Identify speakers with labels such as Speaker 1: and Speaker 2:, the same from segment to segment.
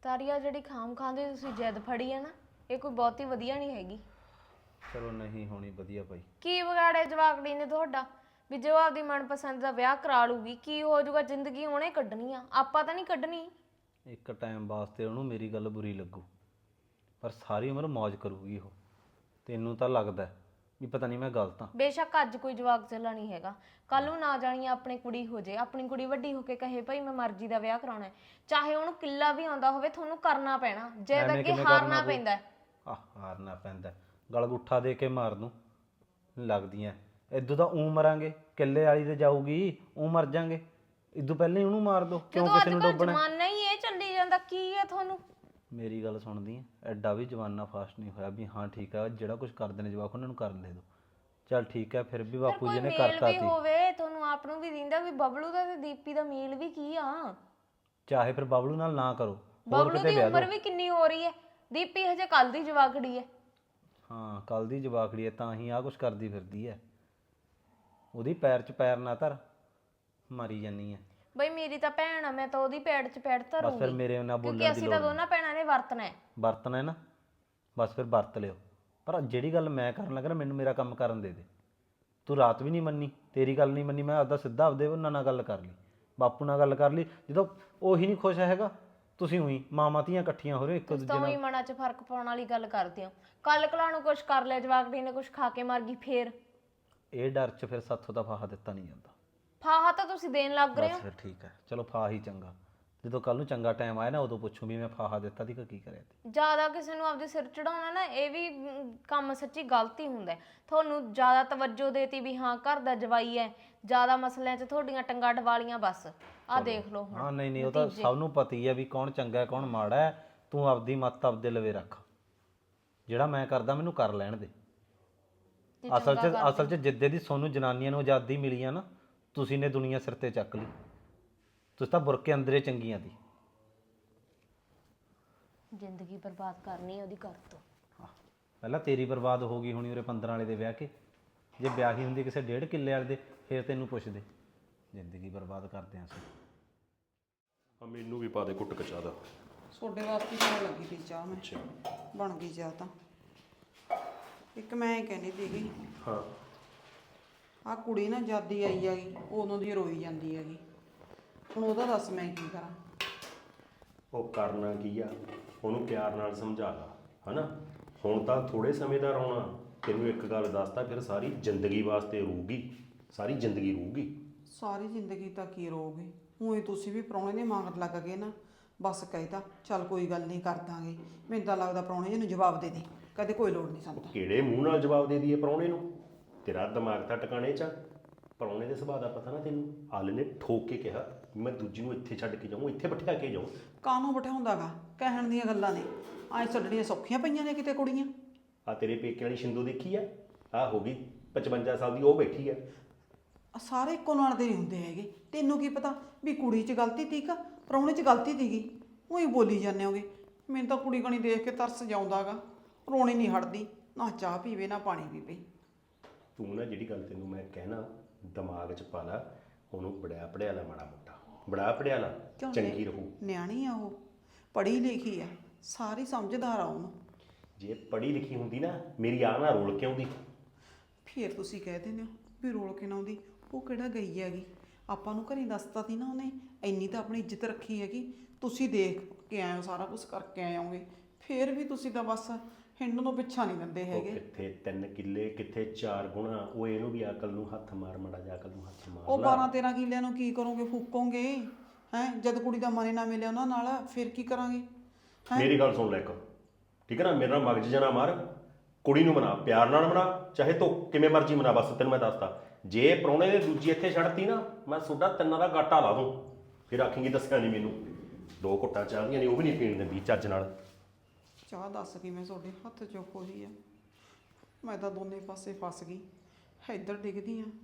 Speaker 1: ਤਾਰੀਆ ਜਿਹੜੀ ਖਾਮ ਖਾਂਦੇ ਤੁਸੀਂ ਜਿੱਦ ਫੜੀ ਹੈ ਨਾ, ਇਹ ਕੋਈ ਬਹੁਤੀ ਵਧੀਆ ਨਹੀਂ ਹੈਗੀ।
Speaker 2: ਚਲੋ ਨਹੀਂ ਹੋਣੀ ਵਧੀਆ ਭਾਈ।
Speaker 1: ਕੀ ਵਿਗਾੜਿਆ ਜਵਾਕੜੀ ਨੇ ਤੁਹਾਡਾ ਵੀ ਜੋ ਆਪਦੀ ਮਨਪਸੰਦ ਦਾ ਵਿਆਹ ਕਰਾ ਲੂਗੀ? ਕੀ ਹੋ ਜਾਊਗਾ? ਜ਼ਿੰਦਗੀ ਉਹਨੇ ਕੱਢਣੀ ਆ, ਆਪਾਂ ਤਾਂ ਨਹੀਂ ਕੱਢਣੀ।
Speaker 2: ਇੱਕ ਟਾਈਮ ਵਾਸਤੇ ਉਹਨੂੰ ਮੇਰੀ ਗੱਲ ਬੁਰੀ ਲੱਗੂ, ਪਰ ਸਾਰੀ ਉਮਰ ਮौज ਕਰੂਗੀ ਉਹ। ਤੈਨੂੰ ਤਾਂ ਲੱਗਦਾ ਵੀ ਪਤਾ ਨਹੀਂ ਮੈਂ ਗਲਤ ਹਾਂ।
Speaker 1: ਬੇਸ਼ੱਕ ਅੱਜ ਕੋਈ ਜਵਾਕ ਚੱਲਾ ਨਹੀਂ ਹੈਗਾ, ਕੱਲ ਨੂੰ ਨਾ ਜਾਣੀ ਆਪਣੀ ਕੁੜੀ ਹੋ ਜੇ, ਆਪਣੀ ਕੁੜੀ ਵੱਡੀ ਹੋ ਕੇ ਕਹੇ ਭਾਈ ਮੈਂ ਮਰਜ਼ੀ ਦਾ ਵਿਆਹ ਕਰਾਉਣਾ ਹੈ, ਚਾਹੇ ਉਹਨੂੰ ਕਿੱਲਾ ਵੀ ਆਉਂਦਾ ਹੋਵੇ, ਤੁਹਾਨੂੰ ਕਰਨਾ ਪੈਣਾ। ਜੇ ਅੱਗੇ ਹਾਰਨਾ ਪੈਂਦਾ,
Speaker 2: ਹਾਰਨਾ ਪੈਂਦਾ, ਗਲ ਗੁੱਠਾ ਦੇ ਕੇ ਮਾਰ ਦੂੰ ਲੱਗਦੀਆਂ। ਇਦੋਂ ਤਾਂ ਮਰਾਂਗੇ, ਕਿੱਲੇ ਵਾਲੀ ਤੇ ਜਾਊਗੀ, ਮਰ ਜਾਾਂਗੇ। ਇਦੋਂ ਪਹਿਲਾਂ ਹੀ ਉਹਨੂੰ ਮਾਰ ਦੋ, ਕਿਉਂ ਕਿਸੇ ਨੂੰ ਡੋਬਣਾ?
Speaker 1: ਜ਼ਮਾਨਾ ਹੀ ਇਹ ਚੱਲੀ ਜਾਂਦਾ, ਕੀ ਹੈ ਤੁਹਾਨੂੰ?
Speaker 2: ਮੇਰੀ ਗੱਲ ਸੁਣਦੀ ਹੈ, ਐਡਾ ਵੀ ਜਵਾਨਾ ਫਾਸਟ ਨਹੀਂ ਹੋਇਆ ਵੀ ਹਾਂ ਠੀਕ ਆ ਜਿਹੜਾ ਕੁਝ ਕਰਦੇ ਨੇ ਜਵਾਕ ਉਹਨਾਂ ਨੂੰ ਕਰਨ ਦੇ ਦੋ। ਚੱਲ ਠੀਕ ਹੈ, ਫਿਰ ਵੀ ਬਾਪੂ ਜੀ ਨੇ ਕਰਤਾ ਸੀ।
Speaker 1: ਹੋਵੇ ਤੁਹਾਨੂੰ ਆਪ ਨੂੰ ਵੀ ਦਿੰਦਾ ਵੀ ਬਬਲੂ ਦਾ ਤੇ ਦੀਪੀ ਦਾ ਮੇਲ ਵੀ ਕੀ ਆ।
Speaker 2: ਚਾਹੇ ਫਿਰ ਬਬਲੂ ਨਾਲ ਨਾ ਕਰੋ,
Speaker 1: ਬਬਲੂ ਦੀ ਉਮਰ ਵੀ ਕਿੰਨੀ ਹੋ ਰਹੀ ਹੈ, ਦੀਪੀ ਹਜੇ ਕੱਲ ਦੀ ਜਵਾਕੜੀ ਹੈ।
Speaker 2: ਹਾਂ ਕੱਲ ਦੀ ਜਵਾਕੜੀ ਹੈ, ਤਾਂ ਹੀ ਆਹ ਕੁਛ ਕਰਦੀ ਫਿਰਦੀ ਹੈ। ਉਹਦੀ ਪੈਰ 'ਚ ਪੈਰ ਨਾ ਧਰ, ਮਾਰੀ ਜਾਨੀ ਹੈ।
Speaker 1: ਬਈ ਮੇਰੀ ਤਾਂ ਭੈਣ ਆ, ਮੈਂ ਤਾਂ ਉਹਦੀ ਪੈੜ 'ਚ ਪੈੜ ਧਰੂੰਗੀ।
Speaker 2: ਬਸ ਫਿਰ ਮੇਰੇ ਨਾਲ ਬੋਲਣ ਦੀ
Speaker 1: ਕਿਉਂਕਿ ਅਸੀਂ ਤਾਂ ਦੋਨਾਂ ਭੈਣਾਂ ਨੇ ਵਰਤਣਾ
Speaker 2: ਹੈ ਨਾ, ਬਸ ਫਿਰ ਵਰਤ ਲਿਓ। ਪਰ ਜਿਹੜੀ ਗੱਲ ਮੈਂ ਕਰਨ ਲੱਗਾ ਨਾ, ਮੈਨੂੰ ਮੇਰਾ ਕੰਮ ਕਰਨ ਦੇ। ਤੂੰ ਰਾਤ ਵੀ ਨਹੀਂ ਮੰਨੀ, ਤੇਰੀ ਗੱਲ ਨਹੀਂ ਮੰਨੀ, ਮੈਂ ਆਪਦਾ ਸਿੱਧਾ ਆਪਦੇ ਉਹਨਾਂ ਨਾਲ ਗੱਲ ਕਰ ਲਈ, ਬਾਪੂ ਨਾਲ ਗੱਲ ਕਰ ਲਈ। ਜਦੋਂ ਉਹੀ ਨਹੀਂ ਖੁਸ਼ ਹੈਗਾ, ਤੁਸੀਂ ਉਹੀ ਮਾਵਾਂ ਧੀਆਂ ਇਕੱਠੀਆਂ ਹੋ ਰਹੇ ਇੱਕ ਦੂਜੇ ਨਾਲ।
Speaker 1: ਮਨਾਂ 'ਚ ਫਰਕ ਪਾਉਣ ਵਾਲੀ ਗੱਲ ਕਰਦੇ ਹੋ। ਕੱਲ ਕਲਾ ਨੂੰ ਕੁਛ ਕਰ ਲਿਆ ਜਵਾਕੜੀ ਨੇ, ਕੁਛ ਖਾ ਕੇ ਮਰ ਗਈ, ਫੇਰ
Speaker 2: ਇਹ ਡਰ 'ਚ ਫਿਰ ਸਾਥੋਂ ਤਾਂ ਫਾਹਾ ਦਿੱਤਾ ਨਹੀਂ ਜਾਂਦਾ।
Speaker 1: ਫਾਹਾ ਤਾਂ ਤੁਸੀਂ ਦੇਣ ਲੱਗ ਰਹੇ ਹੋ।
Speaker 2: ਫਿਰ ਠੀਕ ਹੈ, ਚਲੋ ਫਾਹਾ ਹੀ ਚੰਗਾ। ਜਦੋਂ ਕੱਲ ਨੂੰ ਚੰਗਾ ਟਾਈਮ ਆਇਆ ਨਾ, ਉਦੋਂ ਪੁੱਛੂ ਵੀ ਮੈਂ ਫਾਹਾ ਦਿੱਤਾ ਸੀ ਕਿ ਕੀ ਕਰਿਆ ਤੇ।
Speaker 1: ਜ਼ਿਆਦਾ ਕਿਸੇ ਨੂੰ ਆਪਦੇ ਸਿਰ ਚੜਾਉਣਾ ਨਾ, ਇਹ ਵੀ ਕੰਮ ਸੱਚੀ ਗਲਤੀ ਹੁੰਦਾ। ਤੁਹਾਨੂੰ ਜ਼ਿਆਦਾ ਤਵੱਜੋ ਦੇਤੀ ਵੀ ਹਾਂ ਘਰ ਦਾ ਜਵਾਈ ਹੈ, ਜ਼ਿਆਦਾ ਮਸਲਿਆਂ 'ਚ ਤੁਹਾਡੀਆਂ ਟੰਗਾਂ ਡਵਾਲੀਆਂ, ਬਸ ਆਹ ਦੇਖ ਲਓ ਹੁਣ।
Speaker 2: ਹਾਂ ਨਹੀਂ ਉਹ ਤਾਂ ਸਭ ਨੂੰ ਪਤਾ ਹੀ ਹੈ ਵੀ ਕੌਣ ਚੰਗਾ ਹੈ ਕੌਣ ਮਾੜਾ ਹੈ। ਤੂੰ ਆਪਦੀ ਮੱਤ ਆਪਦੇ ਲਵੇ ਰੱਖ, ਜਿਹੜਾ ਮੈਂ ਕਰਦਾ ਮੈਨੂੰ ਕਰ ਲੈਣ ਦੇ। ਅਸਲ 'ਚ ਜਿੱਦੇ ਦੀ ਤੁਹਾਨੂੰ ਜਨਾਨੀਆਂ ਨੂੰ ਆਜ਼ਾਦੀ ਮਿਲੀ ਆ ਨਾ, ਤੁਸੀਂ ਨੇ ਦੁਨੀਆ ਸਿਰ ਤੇ ਚੱਕ ਲਈ। ਤੁਸੀਂ ਤਾਂ ਬੁਰਕੇ ਅੰਦਰੇ ਚੰਗੀਆਂ ਦੀ
Speaker 1: ਜ਼ਿੰਦਗੀ ਬਰਬਾਦ ਕਰਨੀ ਉਹਦੀ ਕਰ ਤੋਂ।
Speaker 2: ਪਹਿਲਾਂ ਤੇਰੀ ਬਰਬਾਦ ਹੋ ਗਈ ਹੋਣੀ ਉਰੇ 15 ਵਾਲੇ ਦੇ ਵਿਆਹ ਕੇ। ਜੇ ਵਿਆਹੀ ਹੁੰਦੀ ਕਿਸੇ 1.5 ਕਿੱਲੇ ਵਾਲੇ ਦੇ, ਫਿਰ ਤੈਨੂੰ ਪੁੱਛਦੇ। ਜ਼ਿੰਦਗੀ ਬਰਬਾਦ ਕਰਦੇ ਆਂ ਅਸੀਂ।
Speaker 3: ਮੈਨੂੰ ਵੀ ਪਾ ਦੇ ਕੁੱਟ ਕਚਾ ਦਾ।
Speaker 4: ਤੁਹਾਡੇ ਵਾਸਤੇ ਤਾਂ ਲੱਗੀ ਤੀ ਚਾਹ, ਮੈਂ ਬਣ ਗਈ ਚਾਹ ਤਾਂ। ਇੱਕ ਮੈਂ ਕਹਿੰਦੀ ਸੀਗੀ,
Speaker 3: ਹਾਂ
Speaker 4: ਆਹ ਕੁੜੀ ਨਾ ਜਾਦੀ ਆਈ ਹੈਗੀ, ਉਦੋਂ ਦੀ ਰੋਈ ਜਾਂਦੀ ਹੈਗੀ। ਹੁਣ ਉਹਦਾ ਦੱਸ ਮੈਂ ਕੀ ਕਰਾਂ?
Speaker 3: ਉਹ ਕਰਨਾ ਕੀ ਆ, ਉਹਨੂੰ ਪਿਆਰ ਨਾਲ ਸਮਝਾ ਲਾ, ਹਨਾ। ਹੁਣ ਤਾਂ ਥੋੜੇ ਸਮੇਂ ਦਾ ਰੋਣਾ, ਤੈਨੂੰ ਇੱਕ ਗੱਲ ਦੱਸਦਾ, ਫਿਰ ਸਾਰੀ ਜ਼ਿੰਦਗੀ ਵਾਸਤੇ ਰੂਗੀ, ਸਾਰੀ ਜ਼ਿੰਦਗੀ ਰੂਗੀ।
Speaker 4: ਸਾਰੀ ਜ਼ਿੰਦਗੀ ਤਾਂ ਕੀ ਰੋਗੇ? ਹੁਣ ਤੁਸੀਂ ਵੀ ਪ੍ਰਾਹੁਣੇ ਦੇ ਮੰਗਣ ਲੱਗ ਗਏ ਨਾ, ਬਸ ਕਹਿਤਾ ਚੱਲ ਕੋਈ ਗੱਲ ਨਹੀਂ ਕਰ ਦਾਂਗੇ। ਮੈਨੂੰ ਤਾਂ ਲੱਗਦਾ ਪ੍ਰਾਹੁਣੇ ਜੀ ਨੂੰ ਜਵਾਬ ਦੇ ਦੇ, ਕਦੇ ਕੋਈ ਲੋੜ ਨਹੀਂ ਸਾਨੂੰ।
Speaker 3: ਕਿਹੜੇ ਮੂੰਹ ਨਾਲ ਜਵਾਬ ਦੇ ਦਈਏ ਪ੍ਰਾਹੁਣੇ ਨੂੰ? ਤੇਰਾ ਦਿਮਾਗ ਤਾਂ ਟਿਕਾਣੇ 'ਚ। ਪ੍ਰਾਹੁਣੇ ਦੇ ਸੁਭਾਅ ਦਾ ਪਤਾ ਨਾ ਤੈਨੂੰ? ਹਾਲ ਨੇ ਠੋਕ ਕੇ ਕਿਹਾ ਮੈਂ ਦੂਜੀ ਨੂੰ ਇੱਥੇ ਛੱਡ ਕੇ ਜਾਊਂ, ਇੱਥੇ ਬਿਠਾ ਕੇ ਜਾਊਂ।
Speaker 4: ਕਾਹਨੂੰ ਬਿਠਾਉਂਦਾ ਗਾ? ਕਹਿਣ ਦੀਆਂ ਗੱਲਾਂ ਨੇ, ਐਂ ਛੱਡਣੀਆਂ ਸੌਖੀਆਂ ਪਈਆਂ ਨੇ ਕਿਤੇ ਕੁੜੀਆਂ।
Speaker 3: ਆ ਤੇਰੇ ਪੇਕੇ ਵਾਲੀ ਸ਼ਿੰਦੂ ਦੇਖੀ ਆ, ਆ ਹੋ ਗਈ 55 ਸਾਲ ਦੀ, ਉਹ ਬੈਠੀ ਆ।
Speaker 4: ਸਾਰੇ ਇੱਕੋ ਨਾਲ ਦੇ ਨਹੀਂ ਹੁੰਦੇ ਹੈਗੇ। ਤੈਨੂੰ ਕੀ ਪਤਾ ਵੀ ਕੁੜੀ 'ਚ ਗਲਤੀ ਤੀ ਕਿ ਪ੍ਰਾਹੁਣੇ 'ਚ ਗਲਤੀ ਤੀਗੀ? ਉਹੀ ਬੋਲੀ ਜਾਂਦੇ ਹੋਗੇ। ਮੈਨੂੰ ਤਾਂ ਕੁੜੀ ਕਣੀ ਦੇਖ ਕੇ ਤਰਸ ਜਾਉਂਦਾ ਗਾ, ਰੋਣੀ ਨਹੀਂ ਹਟਦੀ, ਨਾ ਚਾਹ ਪੀਵੇ ਨਾ ਪਾਣੀ ਪੀਵੇ।
Speaker 3: ਤੂੰ ਨਾ ਜਿਹੜੀ ਗੱਲ ਤੈਨੂੰ ਮੈਂ ਕਹਿਣਾ ਦਿਮਾਗ 'ਚ ਪਾ ਲਾ, ਉਹਨੂੰ ਬੜਿਆ ਪੜਿਆ ਲਾ, ਮਾੜਾ ਮੋਟਾ ਬੜਾ ਪੜਿਆ ਲਾ, ਚੰਗੀ ਰਹੂ।
Speaker 4: ਨਿਆਣੀ ਆ ਉਹ, ਪੜ੍ਹੀ ਲਿਖੀ ਆ, ਸਾਰੀ ਸਮਝਦਾਰ ਆ ਉਹਨੂੰ।
Speaker 3: ਜੇ ਪੜ੍ਹੀ ਲਿਖੀ ਹੁੰਦੀ ਨਾ, ਮੇਰੀ ਆਹ ਨਾ ਰੋਲ ਕੇ ਆਉਂਦੀ।
Speaker 4: ਫਿਰ ਤੁਸੀਂ ਕਹਿ ਦਿੰਦੇ ਹੋ ਵੀ ਰੋਲ ਕੇ ਨਾ ਆਉਂਦੀ। ਉਹ ਕਿਹੜਾ ਗਈ ਹੈਗੀ? ਆਪਾਂ ਨੂੰ ਘਰੇ ਦੱਸਤਾ ਸੀ ਨਾ ਉਹਨੇ, ਇੰਨੀ ਤਾਂ ਆਪਣੀ ਇੱਜ਼ਤ ਰੱਖੀ ਹੈਗੀ। ਤੁਸੀਂ ਦੇਖ ਕੇ ਆਏ ਹੋ, ਸਾਰਾ ਕੁਝ ਕਰਕੇ ਆਏ ਹੋਗੇ, ਫਿਰ ਵੀ ਤੁਸੀਂ ਤਾਂ ਬਸ ਹਿੰਡ ਨੂੰ ਪਿੱਛਾ ਨਹੀਂ ਦਿੰਦੇ ਹੈਗੇ।
Speaker 3: ਕਿੱਥੇ 3 ਕਿੱਲੇ, ਕਿੱਥੇ 4 ਗੁਣਾ। ਉਹ ਇਹਨੂੰ ਵੀ ਅਕਲ ਨੂੰ ਹੱਥ ਮਾਰ, ਮਾੜਾ ਜਿਹਾ ਅਕਲ ਨੂੰ ਹੱਥ ਮਾਰ।
Speaker 4: ਉਹ 12-13 ਕਿੱਲਿਆਂ ਨੂੰ ਕੀ ਕਰੋਗੇ? ਫੂਕੋਗੇ ਹੈ? ਜਦ ਕੁੜੀ ਦਾ ਮਨ ਨਾ ਮਿਲਿਆ ਉਹਨਾਂ ਨਾਲ, ਫਿਰ ਕੀ ਕਰਾਂਗੇ?
Speaker 3: ਮੇਰੀ ਗੱਲ ਸੁਣ ਲੈ ਇੱਕ, ਠੀਕ ਹੈ ਨਾ? ਮੇਰੇ ਨਾਲ ਮਗਜ ਜਨਾ ਮਾਰ, ਕੁੜੀ ਨੂੰ ਮਨਾ, ਪਿਆਰ ਨਾਲ ਮਨਾ, ਚਾਹੇ ਤੂੰ ਕਿਵੇਂ ਮਰਜ਼ੀ ਮਨਾ। ਬਸ ਤੈਨੂੰ ਮੈਂ ਦੱਸਦਾ, ਜੇ ਪ੍ਰਾਹੁਣੇ ਦੇ ਦੂਜੀ ਇੱਥੇ ਛੱਡਤੀ ਨਾ, ਮੈਂ ਤੁਹਾਡਾ 3 ਦਾ ਗਾਟਾ ਲਾ ਦੂੰ। ਫਿਰ ਆਖੇਂਗੀ ਦੱਸਿਆ ਨਹੀਂ ਮੈਨੂੰ। 2 ਘੁੱਟਾਂ ਚਾਹ ਦੀਆਂ ਨੇ, ਉਹ ਵੀ ਨਹੀਂ ਪੀਣ ਦਿੰਦੀ ਚੱਜ ਨਾਲ।
Speaker 4: ਚਾਹ ਦੱਸ ਕਿਵੇਂ ਤੁਹਾਡੇ ਹੱਥ 'ਚੋਂ ਖੋਹੀ ਆ? ਮੈਂ ਤਾਂ ਦੋਨੇ ਪਾਸੇ ਫਸ ਗਈ। ਇੱਧਰ ਡਿੱਗਦੀ ਆ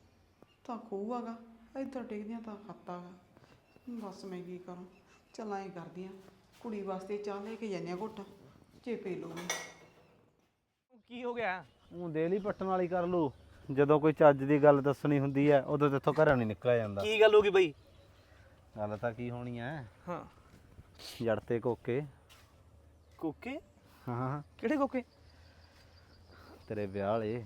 Speaker 4: ਤਾਂ ਖੂਹ ਹੈਗਾ, ਇੱਧਰ ਡਿੱਗਦੀ ਆ ਤਾਂ ਖਾਤਾ ਗਾ। ਬਸ ਮੈਂ ਕੀ ਕਰਾਂ? ਚੱਲ ਐਂ ਕਰਦੀ ਆ, ਕੁੜੀ ਵਾਸਤੇ ਚਾਹ ਲੈ ਕੇ ਜਾਂਦੇ ਆ ਘੁੱਟ, ਜੇ ਪੀ ਲੂਗੀ।
Speaker 5: ਕੀ ਹੋ ਗਿਆ?
Speaker 2: ਉਹ ਦੇਲੀ ਪੱਟਣ ਵਾਲੀ ਕਰ ਲੂ। ਜਦੋਂ ਕੋਈ ਚੱਜ ਦੀ ਗੱਲ ਦੱਸਣੀ ਹੁੰਦੀ ਹੈ, ਉਦੋਂ ਤੇਥੋਂ ਘਰੋਂ ਨਹੀਂ ਨਿਕਲਿਆ ਜਾਂਦਾ।
Speaker 5: ਕੀ ਗੱਲ ਹੋ ਗਈ ਬਈ?
Speaker 2: ਗੱਲ ਤਾਂ ਕੀ ਹੋਣੀ ਹੈ?
Speaker 5: ਹਾਂ
Speaker 2: ਜੜ ਤੇ ਕੋਕੇ।
Speaker 5: ਕੋਕੇ?
Speaker 2: ਹਾਂ
Speaker 5: ਕਿਹੜੇ ਕੋਕੇ?
Speaker 2: ਤੇਰੇ ਵਿਆਹ ਵਾਲੇ।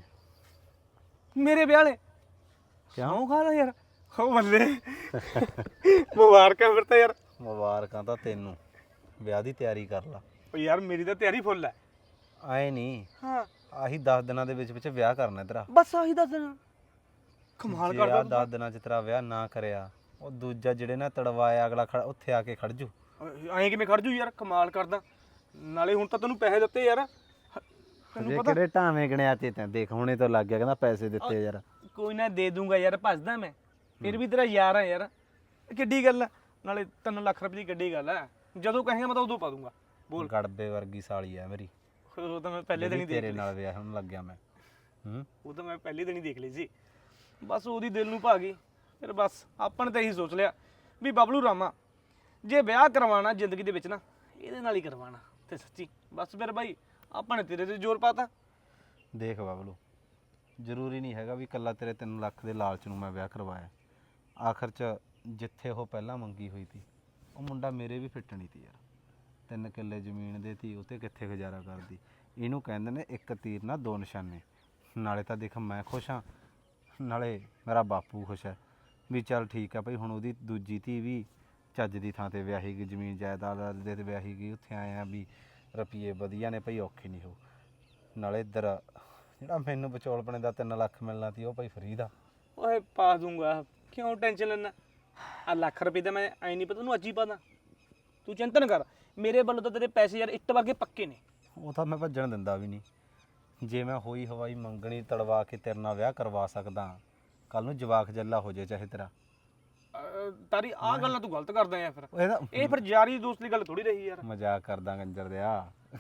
Speaker 5: ਮੇਰੇ ਵਿਆਹ ਵਾਲੇ?
Speaker 2: ਕਿਉਂ?
Speaker 5: ਕਿਉਂ ਖਾਦਾ ਯਾਰ? ਹੋ ਬੱਲੇ ਮੁਬਾਰਕਾਂ ਫਿਰ ਤਾਂ ਯਾਰ।
Speaker 2: ਮੁਬਾਰਕਾਂ ਤਾਂ ਤੈਨੂੰ, ਵਿਆਹ ਦੀ ਤਿਆਰੀ ਕਰ ਲਾ।
Speaker 5: ਉਹ ਯਾਰ ਮੇਰੀ ਤਾਂ ਤਿਆਰੀ ਫੁੱਲ ਹੈ।
Speaker 2: ਆਏ ਨਹੀਂ,
Speaker 5: ਹਾਂ
Speaker 2: ਆਹੀ 10 ਦਿਨਾਂ ਦੇ ਵਿੱਚ ਵਿਆਹ ਕਰਨਾ ਤੇਰਾ।
Speaker 5: ਬਸ ਆਹੀ ਦੱਸ ਦੇਣਾ। ਕਮਾਲ
Speaker 2: ਜੇ
Speaker 5: ਕਰਦਾ
Speaker 2: ਆਹ
Speaker 5: ਤੂੰ
Speaker 2: 10 ਦਿਨਾਂ ਚ ਤੇਰਾ ਵਿਆਹ ਨਾ ਕਰਿਆ, ਉਹ ਦੂਜਾ ਜਿਹੜੇ ਨਾ ਤੜਵਾਇਆ ਅਗਲਾ ਉੱਥੇ ਆ ਕੇ ਖੜ ਜੂ।
Speaker 5: ਐਂ ਕਿਵੇਂ ਖੜ ਜੂ ਯਾਰ? ਕਮਾਲ ਕਰਦਾ। ਨਾਲੇ ਹੁਣ ਤਾਂ ਤੈਨੂੰ ਪੈਸੇ ਦਿੱਤੇ ਯਾਰ, ਤੈਨੂੰ
Speaker 2: ਜੇ
Speaker 5: ਪਤਾ।
Speaker 2: ਕਿਹੜੇ ਢਾਵੇਂ ਗਣਿਆ ਤੇ ਤੈਂ ਦੇਖ ਹੁਣੇ ਤੋਂ ਲੱਗ ਗਿਆ ਕਹਿੰਦਾ ਪੈਸੇ ਦਿੱਤੇ ਯਾਰ।
Speaker 5: ਕੋਈ ਨਾ ਦੇ ਦੂੰਗਾ ਯਾਰ, ਭੱਜਦਾ ਮੈਂ। ਫਿਰ ਵੀ ਤੇਰਾ ਯਾਰ ਆ ਯਾਰ, ਕਿੱਡੀ ਗੱਲ ਆ। ਨਾਲੇ 3 ਲੱਖ ਰੁਪਏ ਦੀ ਕਿੱਡੀ ਗੱਲ ਆ। ਜਦੋਂ ਕਹੇਗਾ ਮੈਂ ਤਾਂ ਉਦੋਂ ਪਾ ਦੂੰਗਾ। ਬੋਲ।
Speaker 2: ਗੜਬੇ ਵਰਗੀ ਸਾਲੀ ਆ ਮੇਰੀ।
Speaker 5: ਉਹ ਤਾਂ ਮੈਂ ਪਹਿਲੇ ਦਿਨ ਹੀ ਦੇਖ
Speaker 2: ਤੇਰੇ
Speaker 5: ਲਈ।
Speaker 2: ਨਾਲ ਵਿਆਹ ਹੋਣ ਲੱਗਿਆ ਮੈਂ।
Speaker 5: ਉਹ ਤਾਂ ਮੈਂ ਪਹਿਲੇ ਦਿਨ ਹੀ ਦੇਖ ਲਈ ਸੀ। ਬਸ ਉਹਦੀ ਦਿਲ ਨੂੰ ਭਾ ਗਈ। ਫਿਰ ਬਸ ਆਪਾਂ ਨੇ ਤਾਂ ਇਹੀ ਸੋਚ ਲਿਆ ਵੀ ਬਬਲੂ ਰਾਮਾ ਜੇ ਵਿਆਹ ਕਰਵਾਉਣਾ ਜ਼ਿੰਦਗੀ ਦੇ ਵਿੱਚ ਨਾ, ਇਹਦੇ ਨਾਲ ਹੀ ਕਰਵਾਉਣਾ। ਤੇ ਸੱਚੀ ਬਸ ਫਿਰ ਬਾਈ ਆਪਾਂ ਨੇ ਤੇਰੇ ਤੇ ਜ਼ੋਰ ਪਾਤਾ।
Speaker 2: ਦੇਖ ਬਬਲੂ, ਜ਼ਰੂਰੀ ਨਹੀਂ ਹੈਗਾ ਵੀ ਇਕੱਲਾ ਤੇਰੇ 3 ਲੱਖ ਦੇ ਲਾਲਚ ਨੂੰ ਮੈਂ ਵਿਆਹ ਕਰਵਾਇਆ। ਆਖਰ 'ਚ ਜਿੱਥੇ ਉਹ ਪਹਿਲਾਂ ਮੰਗੀ ਹੋਈ ਸੀ, ਉਹ ਮੁੰਡਾ ਮੇਰੇ ਵੀ ਫਿੱਟ ਨਹੀਂ ਸੀ ਯਾਰ। 3 ਕਿੱਲੇ ਜ਼ਮੀਨ ਦੇ ਤੀ, ਉਹ 'ਤੇ ਕਿੱਥੇ ਗੁਜ਼ਾਰਾ ਕਰਦੀ। ਇਹਨੂੰ ਕਹਿੰਦੇ ਨੇ ਇੱਕ ਤੀਰ ਨਾਲ 2 ਨਿਸ਼ਾਨੇ। ਨਾਲੇ ਤਾਂ ਦੇਖ ਮੈਂ ਖੁਸ਼ ਹਾਂ, ਨਾਲੇ ਮੇਰਾ ਬਾਪੂ ਖੁਸ਼ ਹੈ ਵੀ ਚੱਲ ਠੀਕ ਆ ਭਾਈ। ਹੁਣ ਉਹਦੀ ਦੂਜੀ ਧੀ ਵੀ ਚੱਜ ਦੀ ਥਾਂ 'ਤੇ ਵਿਆਹੀ ਗਈ, ਜ਼ਮੀਨ ਜਾਇਦਾਦ ਦੇ 'ਤੇ ਵਿਆਹੀ ਗਈ। ਉੱਥੇ ਆਏ ਆ ਵੀ ਰੁਪਈਏ ਵਧੀਆ ਨੇ ਭਾਈ, ਔਖੇ ਨਹੀਂ ਹੋ। ਨਾਲੇ ਇੱਧਰ ਜਿਹੜਾ ਮੈਨੂੰ ਵਿਚੋਲਪਣੇ ਦਾ 3 ਲੱਖ ਮਿਲਣਾ ਸੀ, ਉਹ ਭਾਈ ਫਰੀ ਦਾ।
Speaker 5: ਓਏ ਪਾ ਦੂੰਗਾ, ਕਿਉਂ ਟੈਨਸ਼ਨ ਲੈਣਾ? ਆ ਲੱਖ ਰੁਪਏ ਦਾ ਮੈਂ ਐ ਨਹੀਂ ਪਤਾ ਤੈਨੂੰ ਅੱਜ ਹੀ ਪਾ ਦਾਂ। ਤੂੰ ਚਿੰਤਾ ਨਾ ਕਰ, ਮੇਰੇ ਵੱਲੋਂ ਤਾਂ ਤੇਰੇ ਪੈਸੇ ਯਾਰ ਇੱਟ ਵਰਗੇ ਪੱਕੇ ਨੇ।
Speaker 2: ਉਹ ਤਾਂ ਮੈਂ ਭੱਜਣ ਦਿੰਦਾ ਵੀ ਨਹੀਂ। ਜੇ ਮੈਂ ਹੋਈ ਹਵਾਈ ਮੰਗਣੀ ਤੜਵਾ ਕੇ ਤੇਰੇ ਨਾਲ ਵਿਆਹ ਕਰਵਾ ਸਕਦਾ, ਕੱਲ ਨੂੰ ਜਵਾਕ ਜੱਲਾ ਹੋ ਜਾਏ ਚਾਹੇ ਤੇਰਾ।
Speaker 5: ਤਾਰੀ ਆਹ ਗੱਲਾਂ ਤੂੰ ਗਲਤ ਕਰਦਾ ਯਾਰ। ਫਿਰ
Speaker 2: ਇਹਦਾ
Speaker 5: ਇਹ ਫਿਰ ਯਾਰੀ ਦੋਸਤ ਦੀ ਗੱਲ ਥੋੜੀ ਰਹੀ ਯਾਰ।
Speaker 2: ਮਜ਼ਾਕ ਕਰਦਾ ਕੰਜਰ ਦਿਆ।